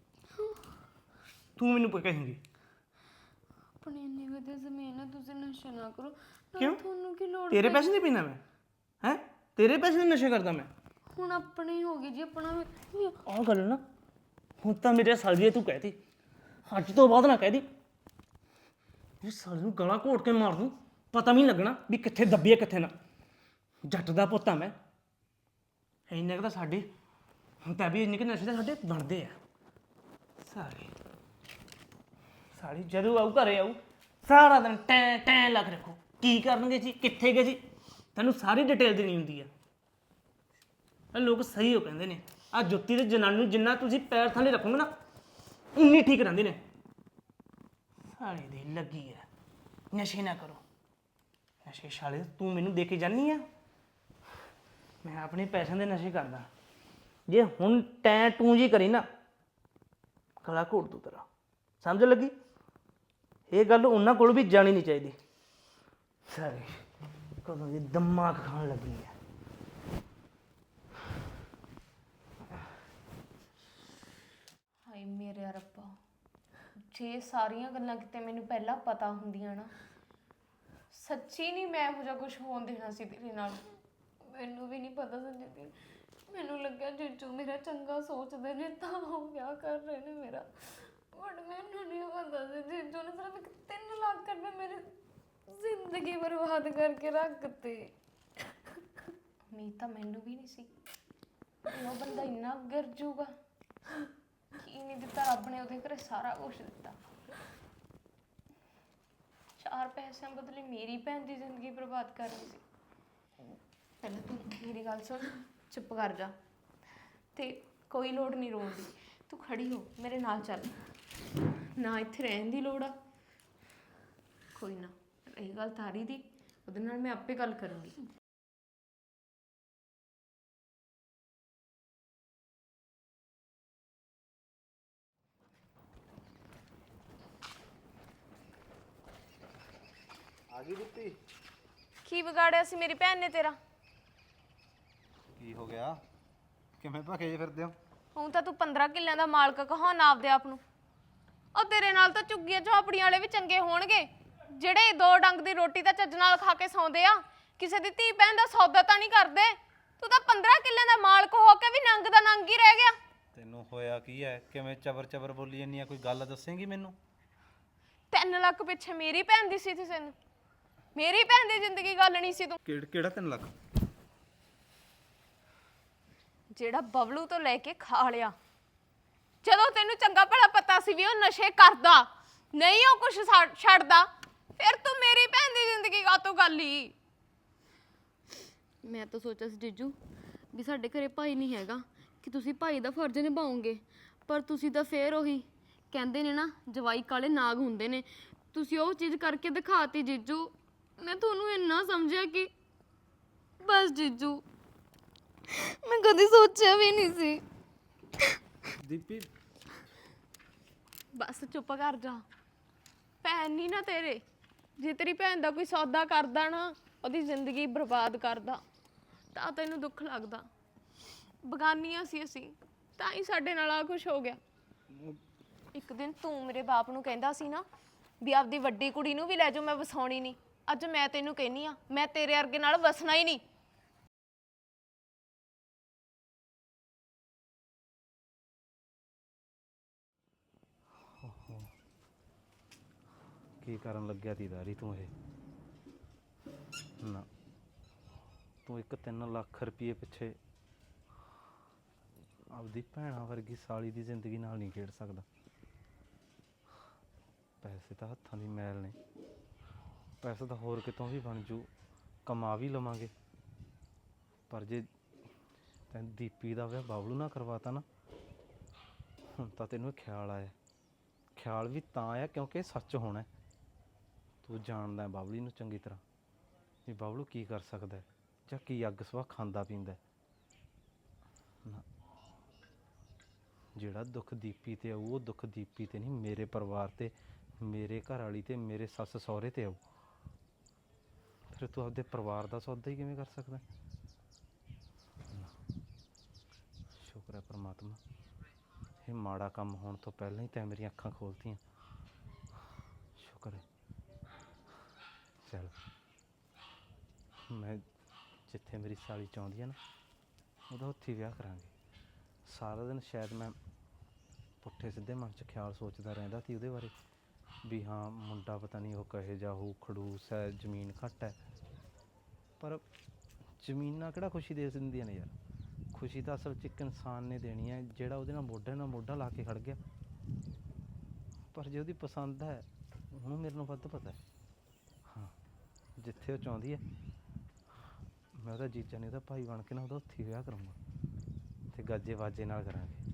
Speaker 5: ਤੂੰ ਮੈਨੂੰ ਕਹੇਂਗੀ?
Speaker 1: ਆਪਣੀ ਇੰਨੀ ਵਧੀਆ ਜ਼ਮੀਨ ਹੈ, ਤੁਸੀਂ ਨਸ਼ਾ ਨਾ ਕਰੋ। ਨਾਲੇ
Speaker 5: ਕਿਉਂ?
Speaker 1: ਤੁਹਾਨੂੰ ਕੀ ਲੋੜ?
Speaker 5: ਤੇਰੇ ਪੈਸੇ ਨਹੀਂ ਪੀਣਾ ਮੈਂ ਹੈ? ਤੇਰੇ ਪੈਸੇ ਨਹੀਂ ਨਸ਼ੇ ਕਰਦਾ ਮੈਂ?
Speaker 1: ਹੁਣ ਆਪਣੀ ਹੋ ਗਈ ਜੀ, ਆਪਣਾ ਵੀ।
Speaker 5: ਆਹ ਗੱਲ ਨਾ ਹੁਣ ਤਾਂ ਮੇਰੇ ਸਾਲ ਦੀ ਤੂੰ ਕਹਿਤੀ, ਅੱਜ ਤੋਂ ਬਾਅਦ ਨਾ ਕਹਿਦੀ। ਇਹ ਸਾਲ ਨੂੰ ਗਲਾ ਘੋਟ ਕੇ ਮਾਰ ਦੂੰ, ਪਤਾ ਵੀ ਨਹੀਂ ਲੱਗਣਾ ਵੀ ਕਿੱਥੇ ਦੱਬੀ ਹੈ ਕਿੱਥੇ ਨਾ। ਜੱਟ ਦਾ ਪੁੱਤ ਆ ਮੈਂ। ਇੰਨੇ ਕੁ ਤਾਂ ਸਾਡੇ ਹੁਣ ਤਾਂ ਵੀ ਇੰਨੇ ਕੁ ਨਸ਼ੇ ਤਾਂ ਸਾਡੇ ਬਣਦੇ ਆ ਸਾਰੇ। ਸਾਲੀ ਜਦੋਂ ਆਊ ਘਰੇ ਆਊ ਸਾਰਾ ਦਿਨ ਟੈਂ ਟੈਂ ਲੱਗ ਰੱਖੋ। ਕੀ ਕਰਨਗੇ ਜੀ, ਕਿੱਥੇ ਗਏ ਜੀ, ਤੈਨੂੰ ਸਾਰੀ ਡਿਟੇਲ ਦੇਣੀ ਹੁੰਦੀ ਆ। ਇਹ ਲੋਕ ਸਹੀ ਹੋ ਕਹਿੰਦੇ ਨੇ, ਆ ਜੁੱਤੀ ਤੇ ਜਨਾਨੀ ਨੂੰ ਜਿੰਨਾ ਤੁਸੀਂ ਪੈਰ ਥੱਲੇ ਰੱਖੋਗੇ ਨਾ ਉਨੀ ਠੀਕ ਰਹਿੰਦੇ ਨੇ। ਸਾਲੇ ਦੀ ਲੱਗੀ ਆ ਨਸ਼ੇ ਨਾ ਕਰੋ। ਨਸ਼ੇ ਸਾਲੇ ਤੂੰ ਮੈਨੂੰ ਦੇ ਕੇ ਜਾਨੀ ਆ, ਮੈਂ ਆਪਣੇ ਪੈਸਿਆਂ ਦੇ ਨਸ਼ੇ ਕਰਦਾ। ਜੇ ਹੁਣ ਟੈਂ ਟੂੰ ਜੀ ਕਰੀ ਨਾ ਗਲਾ ਘੋਟ ਦੂ ਤੇਰਾ, ਸਮਝ ਲੱਗੀ? ਇਹ ਗੱਲ ਉਹਨਾਂ ਕੋਲ ਵੀ ਜਾਣੀ ਨਹੀਂ ਚਾਹੀਦੀ। ਸਾਰੇ ਕਦੋਂ ਦੀ ਦਿਮਾਗ ਖਾਣ ਲੱਗੀ ਹੈ।
Speaker 7: ਹਾਏ ਮੇਰੇ ਰੱਬਾ, ਜੇ ਸਾਰੀਆਂ ਗੱਲਾਂ ਕਿਤੇ ਮੈਨੂੰ ਪਹਿਲਾਂ ਪਤਾ ਹੁੰਦੀਆਂ ਨਾ, ਸੱਚੀ ਨਹੀਂ ਮੈਂ ਇਹੋ ਜਿਹਾ ਕੁਝ ਹੋਣ ਦੇਣਾ ਸੀ ਤੇਰੇ ਨਾਲ।
Speaker 1: ਮੈਨੂੰ ਵੀ ਨਹੀਂ ਪਤਾ ਸੀ ਦੀਦੀ, ਮੈਨੂੰ ਲੱਗਿਆ ਜੀਜੂ ਮੇਰਾ ਚੰਗਾ ਸੋਚਦੇ ਨੇ ਤਾਂ ਉਹ ਵਿਆਹ ਕਰ ਰਹੇ ਨੇ ਮੇਰਾ। ਬਟ ਮੈਨੂੰ ਨਹੀਂ ਪਤਾ ਸੀ ਜੀਜੂ ਨੇ ਸਿਰਫ 3 ਲੱਖ ਰੁਪਏ ਮੇਰੀ ਜ਼ਿੰਦਗੀ ਬਰਬਾਦ ਕਰਕੇ ਰੱਖਤੇ।
Speaker 7: ਉਮੀਦ ਤਾਂ ਮੈਨੂੰ ਵੀ ਨਹੀਂ ਸੀ ਉਹ ਬੰਦਾ ਇੰਨਾ ਗਿਰ ਜੂਗਾ। ਕੀ ਨਹੀਂ ਦਿੱਤਾ ਰੱਬ ਨੇ ਉਹਦੇ ਘਰੇ, ਸਾਰਾ ਕੁਝ ਦਿੱਤਾ। 4 ਪੈਸਿਆਂ ਬਦਲੇ ਮੇਰੀ ਭੈਣ ਦੀ ਜ਼ਿੰਦਗੀ ਬਰਬਾਦ ਕਰਨੀ ਸੀ। ਪਹਿਲਾਂ ਤੂੰ ਮੇਰੀ ਗੱਲ ਸੁਣ, ਚੁੱਪ ਕਰ ਜਾ ਤੇ ਕੋਈ ਲੋੜ ਨਹੀਂ ਰੋਣ ਦੀ। ਤੂੰ ਖੜੀ ਹੋ ਮੇਰੇ ਨਾਲ ਚੱਲ, ਨਾ ਇੱਥੇ ਰਹਿਣ ਦੀ ਲੋੜ ਆ। ਕੋਈ ਨਾ, ਇਹ ਗੱਲ ਤਾਰੀ ਦੀ, ਉਹਦੇ ਨਾਲ ਮੈਂ ਆਪੇ ਗੱਲ ਕਰੂੰਗੀ।
Speaker 2: ਆ ਗਈ ਦਿੱਤੀ?
Speaker 7: ਕੀ ਵਿਗਾੜਿਆ ਸੀ ਮੇਰੀ ਭੈਣ ਨੇ ਤੇਰਾ?
Speaker 2: ਕੀ ਹੋ ਗਿਆ? ਕਿਵੇਂ ਭਖੇ ਜੇ ਫਿਰਦੇ ਹੋ?
Speaker 7: ਹੁਣ ਤਾਂ ਤੂੰ 15 ਕਿੱਲਿਆਂ ਦਾ ਮਾਲਕ ਕਹਾਉਣਾ ਆਪਦੇ ਆਪ ਨੂੰ। ਉਹ ਤੇਰੇ ਨਾਲ ਤਾਂ ਝੁੱਗੀਆਂ ਝੋਪੜੀਆਂ ਵਾਲੇ ਵੀ ਚੰਗੇ ਹੋਣਗੇ, ਜਿਹੜੇ ਦੋ ਡੰਗ ਦੀ ਰੋਟੀ ਤਾਂ ਚੱਜ ਨਾਲ ਖਾ ਕੇ ਸੌਂਦੇ ਆ, ਕਿਸੇ ਦੀ ਧੀ ਭੈਣ ਦਾ ਸੌਦਾ ਤਾਂ ਨਹੀਂ ਕਰਦੇ। ਤੂੰ ਤਾਂ 15 ਕਿੱਲਿਆਂ ਦਾ ਮਾਲਕ ਹੋ ਕੇ ਵੀ ਨੰਗ ਦਾ ਨੰਗ ਹੀ ਰਹਿ ਗਿਆ।
Speaker 2: ਤੈਨੂੰ ਹੋਇਆ ਕੀ ਹੈ? ਕਿਵੇਂ ਚਬਰ ਚਬਰ ਬੋਲੀ ਜਾਂਦੀ ਆ? ਕੋਈ ਗੱਲ ਦੱਸੇਂਗੀ ਮੈਨੂੰ?
Speaker 7: 3 ਲੱਖ ਪਿੱਛੇ ਮੇਰੀ ਭੈਣ ਦੀ ਸੀ ਤੇ ਤੈਨੂੰ ਮੇਰੀ ਭੈਣ ਦੀ ਜ਼ਿੰਦਗੀ ਗੱਲ ਨਹੀਂ ਸੀ ਤੂੰ।
Speaker 2: ਕਿਹੜਾ 3 ਲੱਖ?
Speaker 7: ਜਿਹੜਾ ਬਬਲੂ ਤੋਂ ਲੈ ਕੇ ਖਾ ਲਿਆ। ਜਦੋਂ ਤੈਨੂੰ ਚੰਗਾ ਭਲਾ ਪਤਾ ਸੀ ਵੀ ਉਹ ਨਸ਼ੇ ਕਰਦਾ ਨਹੀਂ, ਉਹ ਕੁਛ ਛੱਡਦਾ, ਫਿਰ ਤੂੰ ਮੇਰੀ ਭੈਣ ਦੀ ਜ਼ਿੰਦਗੀ ਕਾਹਤੋਂ ਗੱਲ ਹੀ।
Speaker 1: ਮੈਂ ਤਾਂ ਸੋਚਿਆ ਸੀ ਜੀਜੂ ਵੀ ਸਾਡੇ ਘਰੇ ਭਾਈ ਨਹੀਂ ਹੈਗਾ ਕਿ ਤੁਸੀਂ ਭਾਈ ਦਾ ਫਰਜ਼ ਨਿਭਾਓਗੇ, ਪਰ ਤੁਸੀਂ ਤਾਂ ਫੇਰ ਉਹੀ ਕਹਿੰਦੇ ਨੇ ਨਾ, ਜਵਾਈ ਕਾਲੇ ਨਾਗ ਹੁੰਦੇ ਨੇ। ਤੁਸੀਂ ਉਹ ਚੀਜ਼ ਕਰਕੇ ਦਿਖਾਤੀ ਜੀਜੂ। ਮੈਂ ਤੁਹਾਨੂੰ ਇੰਨਾ ਸਮਝਿਆ ਕਿ ਬਸ ਜੀਜੂ, ਮੈਂ ਕਦੀ ਸੋਚਿਆ ਵੀ ਨਹੀਂ ਸੀ।
Speaker 2: ਦੀਪੀ
Speaker 7: ਬਸ ਚੁੱਪ ਕਰ ਜਾ। ਭੈਣ ਨਹੀਂ ਨਾ ਤੇਰੇ, ਜੇ ਤੇਰੀ ਭੈਣ ਦਾ ਕੋਈ ਸੌਦਾ ਕਰਦਾ ਨਾ, ਉਹਦੀ ਜ਼ਿੰਦਗੀ ਬਰਬਾਦ ਕਰਦਾ, ਤਾਂ ਤੈਨੂੰ ਦੁੱਖ ਲੱਗਦਾ। ਬਗਾਨੀਆਂ ਸੀ ਅਸੀਂ, ਤਾਂ ਹੀ ਸਾਡੇ ਨਾਲ ਆ ਕੁਛ ਹੋ ਗਿਆ। ਇੱਕ ਦਿਨ ਤੂੰ ਮੇਰੇ ਬਾਪ ਨੂੰ ਕਹਿੰਦਾ ਸੀ ਨਾ ਵੀ ਆਪਦੀ ਵੱਡੀ ਕੁੜੀ ਨੂੰ ਵੀ ਲੈ ਜਾਓ, ਮੈਂ ਵਸਾਉਣੀ ਨਹੀਂ। ਅੱਜ ਮੈਂ ਤੈਨੂੰ ਕਹਿੰਨੀ ਆ, ਮੈਂ ਤੇਰੇ ਵਰਗੇ ਨਾਲ ਵਸਣਾ ਹੀ ਨਹੀਂ।
Speaker 2: ਕੀ ਕਰਨ ਲੱਗਿਆ ਤੀ ਦਾਰੀ ਤੂੰ? ਇਹ ਨਾ, ਤੂੰ ਇੱਕ 3 ਲੱਖ ਰੁਪਏ ਪਿੱਛੇ ਆਪਦੀ ਭੈਣਾਂ ਵਰਗੀ ਸਾਲੀ ਦੀ ਜ਼ਿੰਦਗੀ ਨਾਲ ਨਹੀਂ ਖੇਡ ਸਕਦਾ। ਪੈਸੇ ਤਾਂ ਹੱਥਾਂ ਦੀ ਮੈਲ ਨੇ, ਪੈਸਾ ਤਾਂ ਹੋਰ ਕਿਤੋਂ ਵੀ ਬਣ ਜੂ, ਕਮਾ ਵੀ ਲਵਾਂਗੇ। ਪਰ ਜੇ ਤੈਨੂੰ ਦੀਪੀ ਦਾ ਵਿਆਹ ਬਾਬਲੂ ਨਾਲ ਕਰਵਾਤਾ ਨਾ, ਹੁਣ ਤਾਂ ਤੈਨੂੰ ਇਹ ਖਿਆਲ ਆਇਆ। ਖਿਆਲ ਵੀ ਤਾਂ ਆਇਆ ਕਿਉਂਕਿ ਇਹ ਸੱਚ ਹੋਣਾ। ਤੂੰ ਜਾਣਦਾ ਬਾਬਲੀ ਨੂੰ ਚੰਗੀ ਤਰ੍ਹਾਂ ਵੀ ਬਾਬਲੂ ਕੀ ਕਰ ਸਕਦਾ ਜਾਂ ਕੀ ਅੱਗ ਸਵਾਹ ਖਾਂਦਾ ਪੀਂਦਾ। ਨਾ, ਜਿਹੜਾ ਦੁੱਖ ਦੀਪੀ ਤੇ ਆਊ, ਉਹ ਦੁੱਖ ਦੀਪੀ ਤੇ ਨਹੀਂ, ਮੇਰੇ ਪਰਿਵਾਰ ਤੇ, ਮੇਰੇ ਘਰ ਵਾਲੀ ਤੇ, ਮੇਰੇ ਸੱਸ ਸਹੁਰੇ ਤੇ ਆਊ। ਫਿਰ ਤੂੰ ਆਪਦੇ ਪਰਿਵਾਰ ਦਾ ਸੌਦਾ ਹੀ ਕਿਵੇਂ ਕਰ ਸਕਦਾ? ਸ਼ੁਕਰ ਹੈ ਪਰਮਾਤਮਾ, ਇਹ ਮਾੜਾ ਕੰਮ ਹੋਣ ਤੋਂ ਪਹਿਲਾਂ ਹੀ ਤੈਂ ਮੇਰੀਆਂ ਅੱਖਾਂ ਖੋਲ੍ਹਤੀਆਂ। ਸ਼ੁਕਰ ਹੈ। ਚੱਲ, ਮੈਂ ਜਿੱਥੇ ਮੇਰੀ ਸਾਲੀ ਚਾਹੁੰਦੀ ਹੈ ਨਾ, ਉਹਦਾ ਉੱਥੇ ਵਿਆਹ ਕਰਾਂਗੇ। ਸਾਰਾ ਦਿਨ ਸ਼ਾਇਦ ਮੈਂ ਪੁੱਠੇ ਸਿੱਧੇ ਮਨ 'ਚ ਖਿਆਲ ਸੋਚਦਾ ਰਹਿੰਦਾ ਸੀ ਉਹਦੇ ਬਾਰੇ ਵੀ ਹਾਂ ਮੁੰਡਾ ਪਤਾ ਨਹੀਂ ਉਹ ਕਹੇ ਜਾ ਹੋਊ, ਖੜੂਸ ਹੈ, ਜ਼ਮੀਨ ਘੱਟ ਹੈ। ਪਰ ਜ਼ਮੀਨਾਂ ਕਿਹੜਾ ਖੁਸ਼ੀ ਦੇ ਦਿੰਦੀਆਂ ਨੇ ਯਾਰ? ਖੁਸ਼ੀ ਤਾਂ ਅਸਲ 'ਚ ਇੱਕ ਇਨਸਾਨ ਨੇ ਦੇਣੀ ਹੈ ਜਿਹੜਾ ਉਹਦੇ ਨਾਲ ਮੋਢੇ ਨਾਲ ਮੋਢਾ ਲਾ ਕੇ ਖੜ ਗਿਆ। ਪਰ ਜੇ ਉਹਦੀ ਪਸੰਦ ਹੈ, ਉਹਨੂੰ ਮੇਰੇ ਨਾਲ ਵੱਧ ਪਤਾ ਹੈ। ਹਾਂ, ਜਿੱਥੇ ਉਹ ਚਾਹੁੰਦੀ ਹੈ, ਮੈਂ ਉਹਦਾ ਜੀਜਾ ਨਹੀਂ, ਉਹਦਾ ਭਾਈ ਬਣ ਕੇ ਨਾ ਉਹਦਾ ਉੱਥੇ ਵਿਆਹ ਕਰਾਂਗਾ ਅਤੇ ਗਾਜੇ ਵਾਜੇ ਨਾਲ ਕਰਾਂਗੇ।